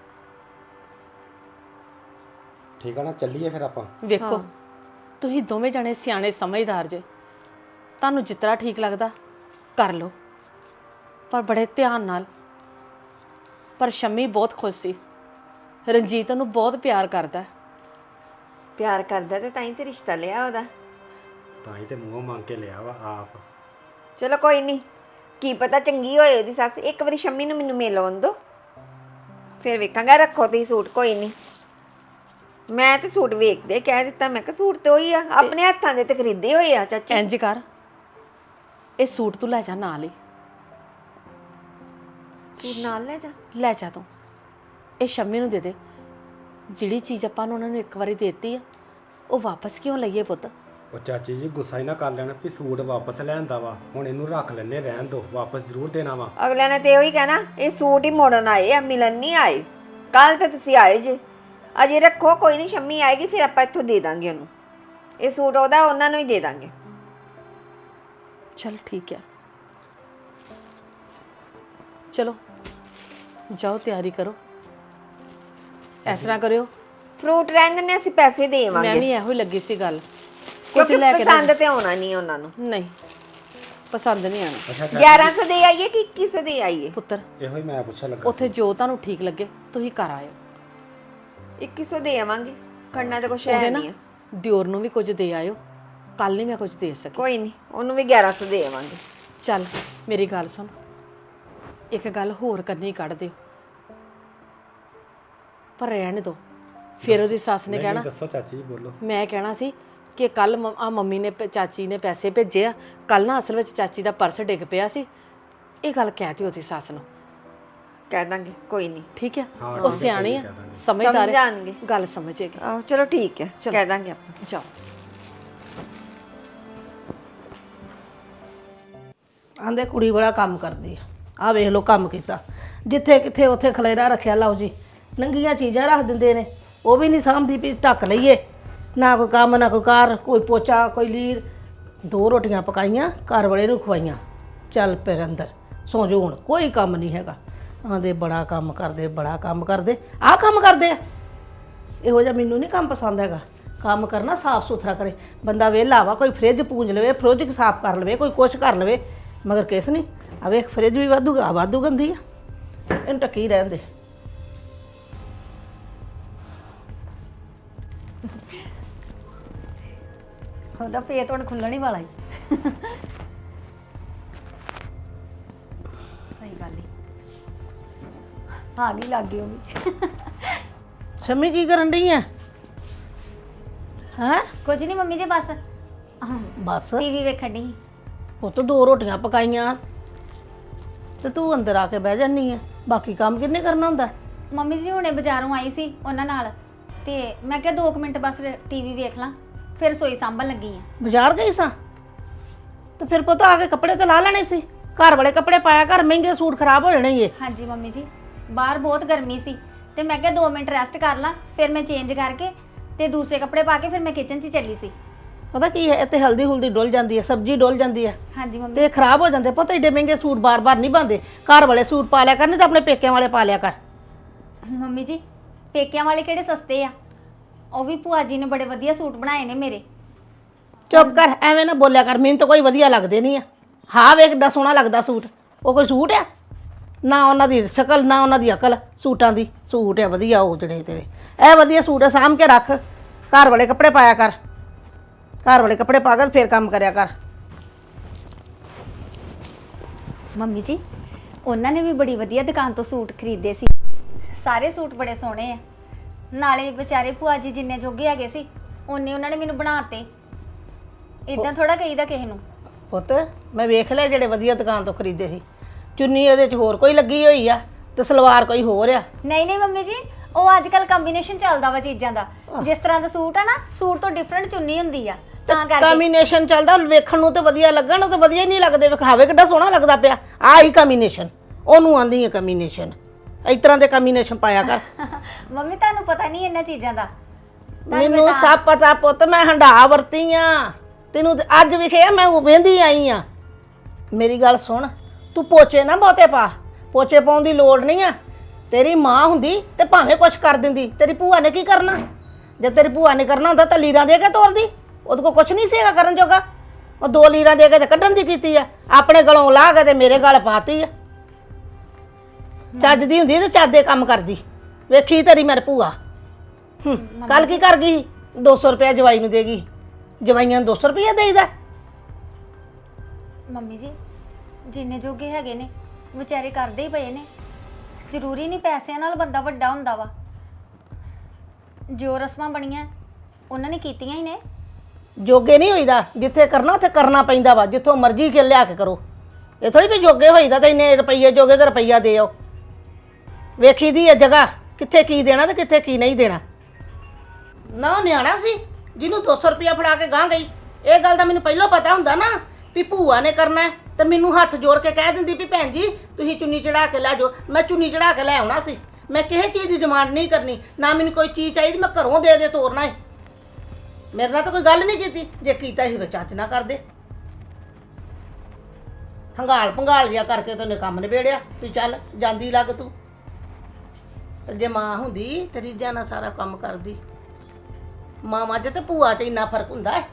Speaker 8: ਠੀਕ ਆ ਨਾ। ਚੱਲੀਏ ਫਿਰ ਆਪਾਂ।
Speaker 1: ਵੇਖੋ, ਤੁਸੀਂ ਦੋਵੇਂ ਜਣੇ ਸਿਆਣੇ ਸਮਝਦਾਰ ਜੇ, ਤੁਹਾਨੂੰ ਜਿਸ ਤਰ੍ਹਾਂ ਠੀਕ ਲੱਗਦਾ ਕਰ ਲਓ, ਪਰ ਬੜੇ ਧਿਆਨ ਨਾਲ। ਪਰ ਸ਼ੰਮੀ ਬਹੁਤ ਖੁਸ਼ ਸੀ। ਰਣਜੀਤ ਉਹਨੂੰ ਬਹੁਤ ਪਿਆਰ ਕਰਦਾ।
Speaker 7: ਪਿਆਰ ਕਰਦਾ ਤੇ ਤਾਂ ਹੀ ਤੇ ਰਿਸ਼ਤਾ ਲਿਆ ਉਹਦਾ।
Speaker 8: ਤਾਂ ਹੀ ਤੇ ਮੂੰਹੋਂ ਮੰਗ ਕੇ ਲਿਆ ਵਾ ਆਪ।
Speaker 7: ਚਲੋ ਕੋਈ ਨਹੀਂ, ਕੀ ਪਤਾ ਚੰਗੀ ਹੋਏ ਉਹਦੀ ਸੱਸ। ਇੱਕ ਵਾਰੀ ਸ਼ੰਮੀ ਨੂੰ ਮੈਨੂੰ ਮਿਲ ਆਉਣ ਦਿਓ, ਫਿਰ ਵੇਖਾਂਗਾ। ਰੱਖੋ ਤੁਸੀਂ ਸੂਟ, ਕੋਈ ਨਹੀਂ। ਮੈਂ ਤੇ ਸੂਟ ਵੇਖਦੇ ਕਹਿ ਦਿੱਤਾ, ਮੈਂ ਕਿਹਾ ਸੂਟ ਤੇ ਉਹੀ ਆ, ਆਪਣੇ ਹੱਥਾਂ ਦੇ ਤੇ ਖਰੀਦੇ ਹੋਏ ਆ ਚਾਚੀ।
Speaker 1: ਇੰਜ ਕਰ, ਇਹ ਸੂਟ ਤੂੰ ਲੈ ਜਾ ਨਾਲ ਹੀ।
Speaker 7: ਸੂਟ ਨਾਲ ਲੈ ਜਾ।
Speaker 1: ਲੈ ਜਾ ਤੂੰ, ਇਹ ਸ਼ੰਮੀ ਨੂੰ ਦੇ ਦੇ। ਜਿਹੜੀ ਚੀਜ਼ ਆਪਾਂ ਨੂੰ ਉਹਨਾਂ ਨੂੰ ਇੱਕ ਵਾਰੀ ਦੇਤੀ ਆ, ਉਹ ਵਾਪਸ ਕਿਉਂ ਲਈਏ ਪੁੱਤ?
Speaker 8: ਉਹ ਚਾਚੀ ਜੀ ਗੁੱਸਾ ਹੀ ਨਾ ਕਰ ਲੈਣਾ ਵੀ ਸੂਟ ਵਾਪਸ ਲੈਂਦਾ ਵਾ, ਹੁਣ ਇਹਨੂੰ ਰੱਖ ਲੈਣੇ, ਰਹਿਣ ਦੋ, ਵਾਪਸ ਜ਼ਰੂਰ ਦੇਣਾ ਵਾ।
Speaker 7: ਅਗਲਿਆਂ ਨੇ ਤੇ ਉਹੀ ਕਹਿਣਾ ਇਹ ਸੂਟ ਹੀ ਮੋੜਨ ਆਏ ਆ, ਮਿਲਣ ਨਹੀਂ ਆਏ। ਕੱਲ ਤੇ ਤੁਸੀਂ ਆਏ ਜੇ, ਅਜੇ ਰੱਖੋ, ਕੋਈ ਨਹੀਂ। ਸ਼ੰਮੀ ਆਏਗੀ ਫਿਰ ਆਪਾਂ ਇੱਥੋਂ ਦੇ ਦਾਂਗੇ ਉਹਨੂੰ। ਇਹ ਸੂਟ ਉਹਦਾ, ਉਹਨਾਂ ਨੂੰ ਹੀ ਦੇ ਦਾਂਗੇ।
Speaker 1: ਚਲ ਠੀਕ ਹੈ, ਚਲੋ ਜਾਓ ਤਿਆਰੀ ਕਰੋ। ਇਸ ਤਰ੍ਹਾਂ ਕਰਿਓ,
Speaker 7: ਫਰੂਟ ਰਹਿਣ ਦਿੰਦੇ, ਅਸੀਂ ਪੈਸੇ
Speaker 1: ਮੈਂ
Speaker 7: ਦੇਵਾਂਗੇ,
Speaker 1: ਵੀ ਇਹੋ ਹੀ ਲੱਗੀ ਸੀ ਗੱਲ। ਕੁਝ
Speaker 7: ਕਿਉਂਕਿ
Speaker 1: ਲੈ ਕੇ
Speaker 7: ਪਸੰਦ ਤੇ ਆਉਣਾ ਨਹੀਂ ਉਹਨਾਂ ਨੂੰ।
Speaker 1: ਨਹੀਂ, ਪਸੰਦ ਨਹੀਂ ਆਣਾ।
Speaker 8: ਅੱਛਾ ਚਾਚੀ,
Speaker 7: ਗਿਆਰਾਂ ਸੌ ਦੇ ਆਈਏ ਕਿ ਇੱਕੀ ਸੌ ਦੇ ਆਈਏ?
Speaker 1: ਪੁੱਤਰ,
Speaker 8: ਇਹੋ ਹੀ ਮੈਂ ਪੁੱਛਣ ਲੱਗਾ
Speaker 1: ਉੱਥੇ ਜੋ ਤੁਹਾਨੂੰ ਠੀਕ ਲੱਗੇ ਤੁਸੀਂ ਕਰ ਆਇਓ।
Speaker 7: ਇੱਕੀ ਸੌ ਦੇ ਆਵਾਂਗੇ, ਖੜਨਾ ਤਾਂ ਕੁਛ
Speaker 1: ਉਹਦੇ
Speaker 7: ਹੈ
Speaker 1: ਨਾ
Speaker 7: ਨਹੀਂ ਆ।
Speaker 1: ਦਿਓਰ ਨੂੰ ਵੀ ਕੁਝ ਦੇ ਆਇਓ, ਕੱਲ ਨਹੀਂ ਮੈਂ ਕੁਝ ਦੇ ਸਕੀ।
Speaker 7: ਕੋਈ ਨਹੀਂ, ਉਹਨੂੰ ਵੀ ਗਿਆਰਾਂ ਸੌ ਦੇ ਆਵਾਂਗੇ।
Speaker 1: ਚੱਲ ਮੇਰੀ ਗੱਲ ਸੁਣ, ਇੱਕ ਗੱਲ ਹੋਰ ਕਰਨੀ ਕੱਢ ਦਿਓ, ਪਰ ਰਹਿਣ ਦੋ। ਫਿਰ ਉਹਦੀ ਸੱਸ ਨੇ
Speaker 8: ਨਹੀਂ,
Speaker 1: ਕਹਿਣਾ,
Speaker 8: ਦੱਸੋ ਚਾਚੀ ਜੀ, ਬੋਲੋ।
Speaker 1: ਮੈਂ ਕਹਿਣਾ ਸੀ ਕਿ ਕੱਲ ਆ ਮੰਮੀ ਨੇ ਪ- ਚਾਚੀ ਨੇ ਪੈਸੇ ਭੇਜੇ ਆ, ਕੱਲ ਨਾ ਅਸਲ ਵਿੱਚ ਚਾਚੀ ਦਾ ਪਰਸ ਡਿੱਗ ਪਿਆ ਸੀ। ਇਹ ਗੱਲ ਕਹਿ ਦਿਓ ਉਹਦੀ ਸੱਸ ਨੂੰ,
Speaker 7: ਕਹਿ ਦਾਂਗੇ, ਕੋਈ ਨਹੀਂ।
Speaker 1: ਠੀਕ ਹੈ?
Speaker 8: ਹਾਂ,
Speaker 1: ਉਹ
Speaker 8: ਠੀਕ ਹੈ,
Speaker 1: ਸਿਆਣੀ ਆ,
Speaker 8: ਕਹਿ ਦਾਂਗੇ।
Speaker 1: ਸਮਝਦਾਰ
Speaker 7: ਸਮਝ
Speaker 1: ਹੈ,
Speaker 7: ਜਾਣਗੇ।
Speaker 1: ਗੱਲ ਸਮਝੇਗੀ।
Speaker 7: ਆਹੋ ਚਲੋ ਠੀਕ ਹੈ, ਕਹਿ ਦਾਂਗੇ ਆਪਾਂ।
Speaker 1: ਜਾਓ।
Speaker 6: ਆਂਦੇ ਕੁੜੀ ਬੜਾ ਕੰਮ ਕਰਦੀ ਆ। ਆ ਵੇਖ ਲੋ ਕੰਮ ਕੀਤਾ, ਜਿੱਥੇ ਕਿੱਥੇ ਉੱਥੇ ਖਲੇਰਾ ਰੱਖਿਆ। ਲਓ ਜੀ, ਨੰਗੀਆਂ ਚੀਜ਼ਾਂ ਰੱਖ ਦਿੰਦੇ ਨੇ, ਉਹ ਵੀ ਨਹੀਂ ਸਾਂਭਦੀ ਵੀ ਢੱਕ ਲਈਏ। ਨਾ ਕੋਈ ਕੰਮ ਨਾ ਕੋਈ ਕਾਰ, ਕੋਈ ਪੋਚਾ ਕੋਈ ਲੀਰ। ਦੋ ਰੋਟੀਆਂ ਪਕਾਈਆਂ, ਘਰ ਵਾਲੇ ਨੂੰ ਖਵਾਈਆਂ, ਚੱਲ ਫਿਰ ਅੰਦਰ ਸੌਂ ਜਾਓ, ਹੁਣ ਕੋਈ ਕੰਮ ਨਹੀਂ ਹੈਗਾ। ਆਂਦੇ ਬੜਾ ਕੰਮ ਕਰਦੇ, ਬੜਾ ਕੰਮ ਕਰਦੇ। ਆਹ ਕੰਮ ਕਰਦੇ ਆ, ਇਹੋ ਜਿਹਾ ਮੈਨੂੰ ਨਹੀਂ ਕੰਮ ਪਸੰਦ ਹੈਗਾ। ਕੰਮ ਕਰਨਾ ਸਾਫ ਸੁਥਰਾ ਕਰੇ ਬੰਦਾ। ਵਿਹਲਾ ਵਾ, ਕੋਈ ਫਰਿੱਜ ਪੂੰਝ ਲਵੇ, ਫਰਿੱਜ ਸਾਫ ਕਰ ਲਵੇ, ਕੋਈ ਕੁਛ ਕਰ ਲਵੇ, ਮਗਰ ਕਿਸ ਨਹੀਂ। ਆ ਵੇਖ ਫਰਿੱਜ ਵੀ ਵਾਧੂ ਆ, ਵਾਧੂ ਗੰਦੀ ਆ, ਇਹਨੂੰ ਟੱਕੀ ਰਹਿਣ ਦੇ।
Speaker 2: ਉਹਦਾ ਪੇਟ ਹੁਣ ਖੁੱਲਣ ਹੀ ਵਾਲਾ ਹੀ। ਸਹੀ ਗੱਲ ਹੀ ਆ ਗਈ, ਲੱਗ ਗਈ ਉਹ ਵੀ।
Speaker 6: ਸ਼ੰਮੀ ਕੀ ਕਰਨ ਡਈ ਆ? ਹੈ
Speaker 2: ਕੁਝ ਨਹੀਂ ਮੰਮੀ ਜੀ, ਬਸ
Speaker 6: ਬਸ
Speaker 2: ਟੀਵੀ ਵੇਖਣ ਦੀ।
Speaker 6: ਪੁੱਤ ਦੋ ਰੋਟੀਆਂ ਪਕਾਈਆਂ ਤੇ ਤੂੰ ਅੰਦਰ ਆ ਕੇ ਬਹਿ ਜਾਨੀ ਆ। ਬਾਕੀ ਕੰਮ ਕਿੰਨੇ ਕਰਨਾ ਹੁੰਦਾ?
Speaker 2: ਮੰਮੀ ਜੀ ਹੁਣੇ ਬਾਜ਼ਾਰੋਂ ਆਈ ਸੀ ਉਹਨਾਂ ਨਾਲ, ਤੇ ਮੈਂ ਕਿਹਾ ਦੋ ਕੁ ਮਿੰਟ ਬਸ ਟੀਵੀ ਵੇਖ ਲਾਂ, ਫਿਰ ਰਸੋਈ ਸਾਂਭਣ ਲੱਗੀ ਆ।
Speaker 6: ਬਾਜ਼ਾਰ ਗਈ ਸਾਂ ਤੇ ਫਿਰ ਪੁੱਤ ਆ ਕੇ ਕੱਪੜੇ ਤੇ ਲਾ ਲੈਣੇ ਸੀ। ਘਰ ਵਾਲੇ ਕੱਪੜੇ ਪਾਇਆ ਕਰ, ਮਹਿੰਗੇ ਸੂਟ ਖਰਾਬ ਹੋ ਜਾਣੇ ਈ।
Speaker 2: ਹਾਂਜੀ ਮੰਮੀ ਜੀ, ਬਾਹਰ ਬਹੁਤ ਗਰਮੀ ਸੀ ਤੇ ਮੈਂ ਕਿਹਾ ਦੋ ਮਿੰਟ ਰੈਸਟ ਕਰ ਲਾਂ, ਫਿਰ ਮੈਂ ਚੇਂਜ ਕਰਕੇ ਤੇ ਦੂਸਰੇ ਕੱਪੜੇ ਪਾ ਕੇ ਫਿਰ ਮੈਂ ਕਿਚਨ 'ਚ ਹੀ ਚੱਲੀ ਸੀ।
Speaker 6: ਪਤਾ ਕੀ ਹੈ, ਇੱਥੇ ਹਲਦੀ ਹੁਲਦੀ ਡੁੱਲ ਜਾਂਦੀ ਹੈ, ਸਬਜ਼ੀ ਡੁੱਲ ਜਾਂਦੀ ਹੈ
Speaker 2: ਹਾਂਜੀ ਮੰਮੀ।
Speaker 6: ਤੇ ਖਰਾਬ ਹੋ ਜਾਂਦੇ। ਪਤਾ ਏਡੇ ਮਹਿੰਗੇ ਸੂਟ ਬਾਰ-ਬਾਰ ਨਹੀਂ ਬਣਦੇ। ਘਰ ਵਾਲੇ ਸੂਟ ਪਾ ਲਿਆ ਕਰ, ਨਹੀਂ ਤਾਂ ਆਪਣੇ ਪੇਕਿਆਂ ਵਾਲੇ ਪਾ ਲਿਆ ਕਰ।
Speaker 2: ਮੰਮੀ ਜੀ ਪੇਕਿਆਂ ਵਾਲੇ ਕਿਹੜੇ ਸਸਤੇ ਆ, ਉਹ ਵੀ ਭੂਆ ਜੀ ਨੇ ਬੜੇ ਵਧੀਆ ਸੂਟ ਬਣਾਏ ਨੇ ਮੇਰੇ।
Speaker 6: ਚੁੱਪ ਕਰ, ਐਵੇਂ ਨਾ ਬੋਲਿਆ ਕਰ, ਮੈਨੂੰ ਤਾਂ ਕੋਈ ਵਧੀਆ ਲੱਗਦੇ ਨਹੀਂ ਆ। ਹਾਂ ਵੇਖ ਕਿੱਡਾ ਸੋਹਣਾ ਲੱਗਦਾ ਸੂਟ, ਉਹ ਕੋਈ ਸੂਟ ਆ? ਨਾ ਉਹਨਾਂ ਦੀ ਸ਼ਕਲ ਨਾ ਉਹਨਾਂ ਦੀ ਅਕਲ, ਸੂਟਾਂ ਦੀ। ਸੂਟ ਆ ਵਧੀਆ ਉਹ ਜਿਹੜੇ ਤੇਰੇ, ਇਹ ਵਧੀਆ ਸੂਟ ਆ, ਸਾਂਭ ਕੇ ਰੱਖ। ਘਰ ਵਾਲੇ ਕੱਪੜੇ ਪਾਇਆ ਕਰ, ਘਰ ਵਾਲੇ ਕੱਪੜੇ ਪਾ ਕੇ ਫੇਰ ਕੰਮ ਕਰਿਆ ਕਰ।
Speaker 2: ਮੰਮੀ ਜੀ ਉਹਨਾਂ ਨੇ ਵੀ ਬੜੀ ਵਧੀਆ ਦੁਕਾਨ ਤੋਂ ਸੂਟ ਖਰੀਦੇ ਸੀ, ਸਾਰੇ ਸੂਟ ਬੜੇ ਸੋਹਣੇ ਆ। ਨਾਲੇ ਵਿਚਾਰੇ ਭੂਆ ਜੀ ਜਿੰਨੇ ਜੋਗੇ ਹੈਗੇ ਸੀ ਉਹਨੇ ਉਹਨਾਂ ਨੇ ਮੈਨੂੰ ਬਣਾਤੇ। ਇਦਾਂ ਥੋੜਾ ਕਹੀਦਾ ਕਿਸੇ ਨੂੰ।
Speaker 6: ਪੁੱਤ ਮੈਂ ਵੇਖ ਲਿਆ ਜਿਹੜੇ ਵਧੀਆ ਦੁਕਾਨ ਤੋਂ ਖਰੀਦੇ ਸੀ। ਚੁੰਨੀ ਇਹਦੇ 'ਚ ਹੋਰ ਕੋਈ ਲੱਗੀ ਹੋਈ ਆ ਤੇ ਸਲਵਾਰ ਕੋਈ ਹੋਰ ਆ।
Speaker 2: ਨਹੀਂ ਨਹੀਂ ਮੰਮੀ ਜੀ, ਉਹ ਅੱਜ ਕੱਲ ਕੰਬੀਨੇਸ਼ਨ ਚੱਲਦਾ ਵਾ ਚੀਜ਼ਾਂ ਦਾ। ਜਿਸ ਤਰ੍ਹਾਂ ਦਾ ਸੂਟ ਆ ਨਾ, ਸੂਟ ਤੋਂ ਡਿਫਰੈਂਟ ਚੁੰਨੀ ਹੁੰਦੀ ਆ, ਤਾਂ ਕਰਕੇ।
Speaker 6: ਕੰਬੀਨੇਸ਼ਨ ਚੱਲਦਾ, ਵੇਖਣ ਨੂੰ ਤੇ ਵਧੀਆ ਲੱਗਣ, ਉਹ ਤੇ ਵਧੀਆ ਹੀ ਨਹੀਂ ਲੱਗਦੇ। ਵਿਖਾਵੇ ਕਿੱਡਾ ਸੋਹਣਾ ਲੱਗਦਾ ਪਿਆ। ਆਹ ਹੀ ਕੰਬੀਨੇਸ਼ਨ, ਉਹਨੂੰ ਆਂਦੀ ਹੈ ਕੰਬੀਨੇਸ਼ਨ। ਇਸ ਤਰ੍ਹਾਂ ਦੇ ਕੰਬੀਨੇਸ਼ਨ ਪਾਇਆ ਕਰ।
Speaker 2: ਮੰਮੀ ਤੁਹਾਨੂੰ ਪਤਾ ਨਹੀਂ ਇਹਨਾਂ ਚੀਜ਼ਾਂ ਦਾ।
Speaker 6: ਮੈਨੂੰ ਸਭ ਪਤਾ ਪੁੱਤ, ਮੈਂ ਹੰਡਾ ਵਰਤੀ ਆ। ਤੈਨੂੰ ਤੇ ਅੱਜ ਵਿਖਿਆ, ਮੈਂ ਵੇਂਦੀ ਆਈ ਆ। ਮੇਰੀ ਗੱਲ ਸੁਣ, ਤੂੰ ਪੋਚੇ ਨਾ ਬਹੁਤੇ ਪਾ। ਪੋਚੇ ਪਾਉਣ ਦੀ ਲੋੜ ਨਹੀਂ ਆ। ਤੇਰੀ ਮਾਂ ਹੁੰਦੀ ਤੇ ਭਾਵੇਂ ਕੁਛ ਕਰ ਦਿੰਦੀ। ਤੇਰੀ ਭੂਆ ਨੇ ਕੀ ਕਰਨਾ? ਜੇ ਤੇਰੀ ਭੂਆ ਨੇ ਕਰਨਾ ਹੁੰਦਾ ਤਾਂ ਲੀਰਾਂ ਦੇ ਕੇ ਤੋਰਦੀ। ਉਹਦੇ ਕੋਲ ਕੁਛ ਨਹੀਂ ਸੀਗਾ ਕਰਨ ਜੋਗਾ। ਉਹ ਦੋ ਲੀਰਾਂ ਦੇ ਕੇ ਤੇ ਕੱਢਣ ਦੀ ਕੀਤੀ ਆ, ਆਪਣੇ ਗਲੋਂ ਲਾਹ ਕੇ ਤੇ ਮੇਰੇ ਗਲ ਪਾਤੀ ਆ। ਚੱਜ ਦੀ ਹੁੰਦੀ ਤੇ ਚੱਜ ਦੇ ਕੰਮ ਕਰਦੀ। ਵੇਖੀ ਤੇਰੀ ਮੇਰੇ ਭੂਆ ਹੂੰ ਕੱਲ ਕੀ ਕਰ ਗਈ? ਦੋ ਸੌ ਰੁਪਇਆ ਜਵਾਈ ਨੂੰ ਦੇਗੀ। ਜਵਾਈਆਂ ਨੂੰ ਦੋ ਸੌ ਰੁਪਇਆ ਦੇਈਦਾ।
Speaker 2: ਮੰਮੀ ਜੀ ਜਿੰਨੇ ਜੋਗੇ ਹੈਗੇ ਨੇ ਵਿਚਾਰੇ ਕਰਦੇ ਹੀ ਪਏ ਨੇ। ਜ਼ਰੂਰੀ ਨਹੀਂ ਪੈਸਿਆਂ ਨਾਲ ਬੰਦਾ ਵੱਡਾ ਹੁੰਦਾ ਵਾ। ਜੋ ਰਸਮਾਂ ਬਣੀਆਂ ਉਹਨਾਂ ਨੇ ਕੀਤੀਆਂ ਹੀ ਨੇ।
Speaker 6: ਜੋਗੇ ਨਹੀਂ ਹੋਈਦਾ, ਜਿੱਥੇ ਕਰਨਾ ਉੱਥੇ ਕਰਨਾ ਪੈਂਦਾ ਵਾ। ਜਿੱਥੋਂ ਮਰਜ਼ੀ ਕੇ ਲਿਆ ਕੇ ਕਰੋ। ਇਹ ਥੋੜੀ ਵੀ ਜੋਗੇ ਹੋਈਦਾ ਤੇ ਇੰਨੇ ਰੁਪਈਏ ਜੋਗੇ ਤੇ ਰੁਪਈਆ ਦੇ ਆਓ। ਵੇਖੀ ਦੀ ਹੈ ਜਗ੍ਹਾ, ਕਿੱਥੇ ਕੀ ਦੇਣਾ ਤੇ ਕਿੱਥੇ ਕੀ ਨਹੀਂ ਦੇਣਾ। ਨਾ ਉਹ ਨਿਆਣਾ ਸੀ ਜਿਹਨੂੰ ਦੋ ਸੌ ਰੁਪਇਆ ਫੜਾ ਕੇ ਗਾਂ ਗਈ। ਇਹ ਗੱਲ ਦਾ ਮੈਨੂੰ ਪਹਿਲਾਂ ਪਤਾ ਹੁੰਦਾ ਨਾ ਵੀ ਭੂਆ ਨੇ ਕਰਨਾ ਤੇ ਮੈਨੂੰ ਹੱਥ ਜੋੜ ਕੇ ਕਹਿ ਦਿੰਦੀ ਵੀ ਭੈਣ ਜੀ ਤੁਸੀਂ ਚੁੰਨੀ ਚੜਾ ਕੇ ਲੈ ਜਾਓ। ਮੈਂ ਚੁੰਨੀ ਚੜਾ ਕੇ ਲੈ ਆਉਣਾ ਸੀ। ਮੈਂ ਕਿਸੇ ਚੀਜ਼ ਦੀ ਡਿਮਾਂਡ ਨਹੀਂ ਕਰਨੀ, ਨਾ ਮੈਨੂੰ ਕੋਈ ਚੀਜ਼ ਚਾਹੀਦੀ ਮੈਂ ਘਰੋਂ ਦੇ ਦੇ ਤੋਰਨਾ ਹੈ। ਮੇਰੇ ਨਾਲ ਤਾਂ ਕੋਈ ਗੱਲ ਨਹੀਂ ਕੀਤੀ। ਜੇ ਕੀਤਾ ਸੀ ਚੱਜ ਨਾ ਕਰਦੇ। ਹੰਗਾਲ ਭੰਗਾਲ ਜਿਹਾ ਕਰਕੇ ਤੇ ਉਹਨੇ ਕੰਮ ਨਿਬੇੜਿਆ ਵੀ ਚੱਲ ਜਾਂਦੀ ਲੱਗ ਤੂੰ। ਤੇ ਜੇ ਮਾਂ ਹੁੰਦੀ ਤੇ ਰੀਝਾਂ ਨਾਲ ਸਾਰਾ ਕੰਮ ਕਰਦੀ। ਮਾਵਾਂ 'ਚ ਤੇ ਭੂਆ 'ਚ ਇੰਨਾ ਫਰਕ ਹੁੰਦਾ ਹੈ।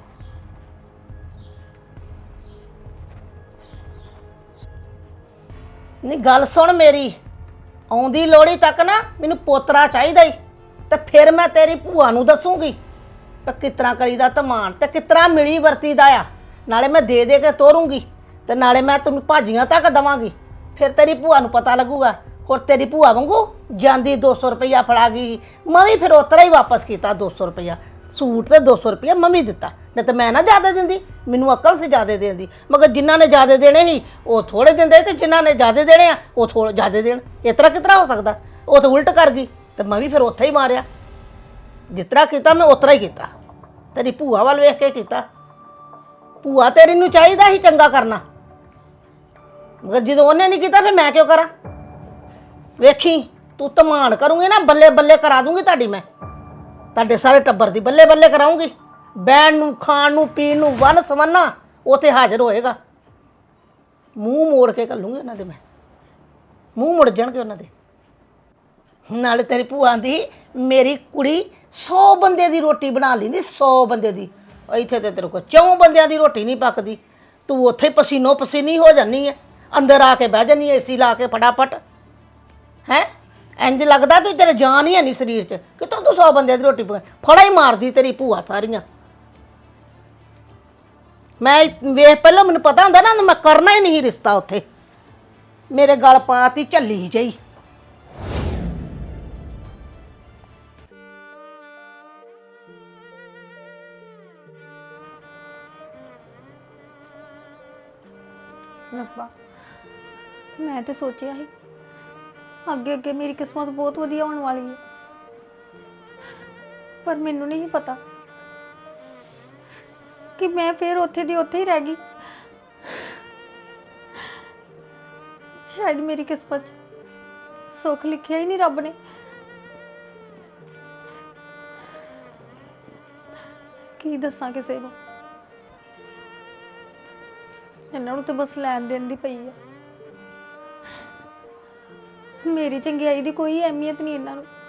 Speaker 6: ਨਹੀਂ ਗੱਲ ਸੁਣ ਮੇਰੀ, ਆਉਂਦੀ ਲੋੜੀ ਤੱਕ ਨਾ ਮੈਨੂੰ ਪੋਤਰਾ ਚਾਹੀਦਾ ਈ। ਤੇ ਫਿਰ ਮੈਂ ਤੇਰੀ ਭੂਆ ਨੂੰ ਦੱਸੂਗੀ ਕਿ ਕਿਸ ਤਰ੍ਹਾਂ ਕਰੀਦਾ ਧਮਾਨ ਤੇ ਕਿਸ ਤਰ੍ਹਾਂ ਮਿਲੀ ਵਰਤੀਦਾ ਆ। ਨਾਲੇ ਮੈਂ ਦੇ ਦੇ ਕੇ ਤੋਰੂੰਗੀ ਤੇ ਨਾਲੇ ਮੈਂ ਤੈਨੂੰ ਭਾਜੀਆਂ ਤੱਕ ਦਵਾਂਗੀ। ਫਿਰ ਤੇਰੀ ਭੂਆ ਨੂੰ ਪਤਾ ਲੱਗੂਗਾ। ਹੋਰ ਤੇਰੀ ਭੂਆ ਵਾਂਗੂ ਜਾਂਦੀ ਦੋ ਸੌ ਰੁਪਈਆ ਫੜਾ ਗਈ। ਮੈਂ ਵੀ ਫਿਰ ਉਤਰਾ ਹੀ ਵਾਪਸ ਕੀਤਾ ਦੋ ਸੌ ਰੁਪਈਆ। ਸੂਟ ਤੇ ਦੋ ਸੌ ਰੁਪਈਆ ਮੰਮੀ ਦਿੱਤਾ, ਨਹੀਂ ਤਾਂ ਮੈਂ ਨਾ ਜ਼ਿਆਦਾ ਦਿੰਦੀ। ਮੈਨੂੰ ਅਕਲ ਸੀ ਜ਼ਿਆਦਾ ਦੇਣ ਦੀ। ਮਗਰ ਜਿਨ੍ਹਾਂ ਨੇ ਜ਼ਿਆਦਾ ਦੇਣੇ ਸੀ ਉਹ ਥੋੜੇ ਦਿੰਦੇ ਤੇ ਜਿਨ੍ਹਾਂ ਨੇ ਜ਼ਿਆਦਾ ਦੇਣੇ ਆ ਉਹ ਥੋੜੇ ਜ਼ਿਆਦਾ ਦੇਣ। ਇਸ ਤਰ੍ਹਾਂ ਕਿਸ ਤਰ੍ਹਾਂ ਹੋ ਸਕਦਾ? ਉਹ ਤਾਂ ਉਲਟ ਕਰ ਗਈ ਤੇ ਮੈਂ ਵੀ ਫਿਰ ਉੱਥੇ ਹੀ ਮਾਰਿਆ। ਜਿਸ ਤਰ੍ਹਾਂ ਕੀਤਾ ਮੈਂ ਉਤਰਾ ਹੀ ਕੀਤਾ। ਤੇਰੀ ਭੂਆ ਵੱਲ ਵੇਖ ਕੇ ਕੀਤਾ। ਭੂਆ ਤੇਰੀ ਨੂੰ ਚਾਹੀਦਾ ਸੀ ਚੰਗਾ ਕਰਨਾ, ਮਗਰ ਜਦੋਂ ਉਹਨੇ ਨਹੀਂ ਕੀਤਾ ਫਿਰ ਮੈਂ ਕਿਉਂ ਕਰਾਂ? ਵੇਖੀ ਤੂੰ ਧਮਾਨ ਕਰੂੰਗੀ ਨਾ, ਬੱਲੇ ਬੱਲੇ ਕਰਾ ਦੂੰਗੀ ਤੁਹਾਡੀ। ਮੈਂ ਤੁਹਾਡੇ ਸਾਰੇ ਟੱਬਰ ਦੀ ਬੱਲੇ ਬੱਲੇ ਕਰਾਉਂਗੀ। ਬਹਿਣ ਨੂੰ ਖਾਣ ਨੂੰ ਪੀਣ ਨੂੰ ਵਨ ਸਵੰਨਾ ਉੱਥੇ ਹਾਜ਼ਰ ਹੋਏਗਾ। ਮੂੰਹ ਮੋੜ ਕੇ ਘੱਲੂੰਗੀ ਉਹਨਾਂ ਦੇ। ਮੈਂ ਮੂੰਹ ਮੁੜ ਜਾਣਗੇ ਉਹਨਾਂ ਦੇ। ਨਾਲੇ ਤੇਰੀ ਭੂਆ ਦੀ ਮੇਰੀ ਕੁੜੀ ਸੌ ਬੰਦੇ ਦੀ ਰੋਟੀ ਬਣਾ ਲੈਂਦੀ, ਸੌ ਬੰਦੇ ਦੀ। ਇੱਥੇ ਤੇ ਤੇਰੇ ਕੋਲ ਚੌਂ ਬੰਦਿਆਂ ਦੀ ਰੋਟੀ ਨਹੀਂ ਪੱਕਦੀ। ਤੂੰ ਉੱਥੇ ਪਸੀਨੋ ਪਸੀਨੀ ਹੋ ਜਾਂਦੀ ਹੈ, ਅੰਦਰ ਆ ਕੇ ਬਹਿ ਜਾਂਦੀ ਹੈ ਏਸੀ ਲਾ ਕੇ ਫਟਾਫਟ। ਹੈ ਇੰਜ ਲੱਗਦਾ ਵੀ ਤੇਰੇ ਜਾਨ ਹੀ ਹੈ ਨਹੀਂ ਸਰੀਰ 'ਚ। ਕਿਤੋਂ ਤੂੰ ਸੌ ਬੰਦਿਆਂ ਦੀ ਰੋਟੀ ਪਕਾ ਫੜਾ ਹੀ ਮਾਰਦੀ ਤੇਰੀ ਭੂਆ ਸਾਰੀਆਂ। ਮੈਂ ਵੇਖ ਪਹਿਲਾਂ ਮੈਨੂੰ ਪਤਾ ਹੁੰਦਾ ਨਾ ਮੈਂ ਕਰਨਾ ਹੀ ਨਹੀਂ ਰਿਸ਼ਤਾ ਉੱਥੇ। ਮੇਰੇ ਗਲ ਪਾਤੀ ਝੱਲੀ ਜਾਈ।
Speaker 2: ਰੱਬਾ ਮੈਂ ਤੇ ਸੋਚਿਆ ਸੀ ਅੱਗੇ ਅੱਗੇ ਮੇਰੀ ਕਿਸਮਤ ਬਹੁਤ ਵਧੀਆ ਹੋਣ ਵਾਲੀ ਹੈ, ਪਰ ਮੈਨੂੰ ਨਹੀਂ ਪਤਾ ਕਿ ਮੈਂ ਫਿਰ ਉੱਥੇ ਦੀ ਉੱਥੇ ਹੀ ਰਹਿ ਗਈ। ਸ਼ਾਇਦ ਮੇਰੀ ਕਿਸਮਤ 'ਚ ਸੁੱਖ ਲਿਖਿਆ ਹੀ ਨਹੀਂ ਰੱਬ ਨੇ। ਕੀ ਦੱਸਾਂ ਕਿਸੇ ਨੂੰ। ਇਹਨਾਂ ਨੂੰ ਤੇ ਬਸ ਲੈਣ ਦੇਣ ਦੀ ਪਈ ਆ। ਮੇਰੀ ਚੰਗਿਆਈ ਦੀ ਕੋਈ ਅਹਿਮੀਅਤ ਨਹੀਂ ਇਹਨਾਂ ਨੂੰ।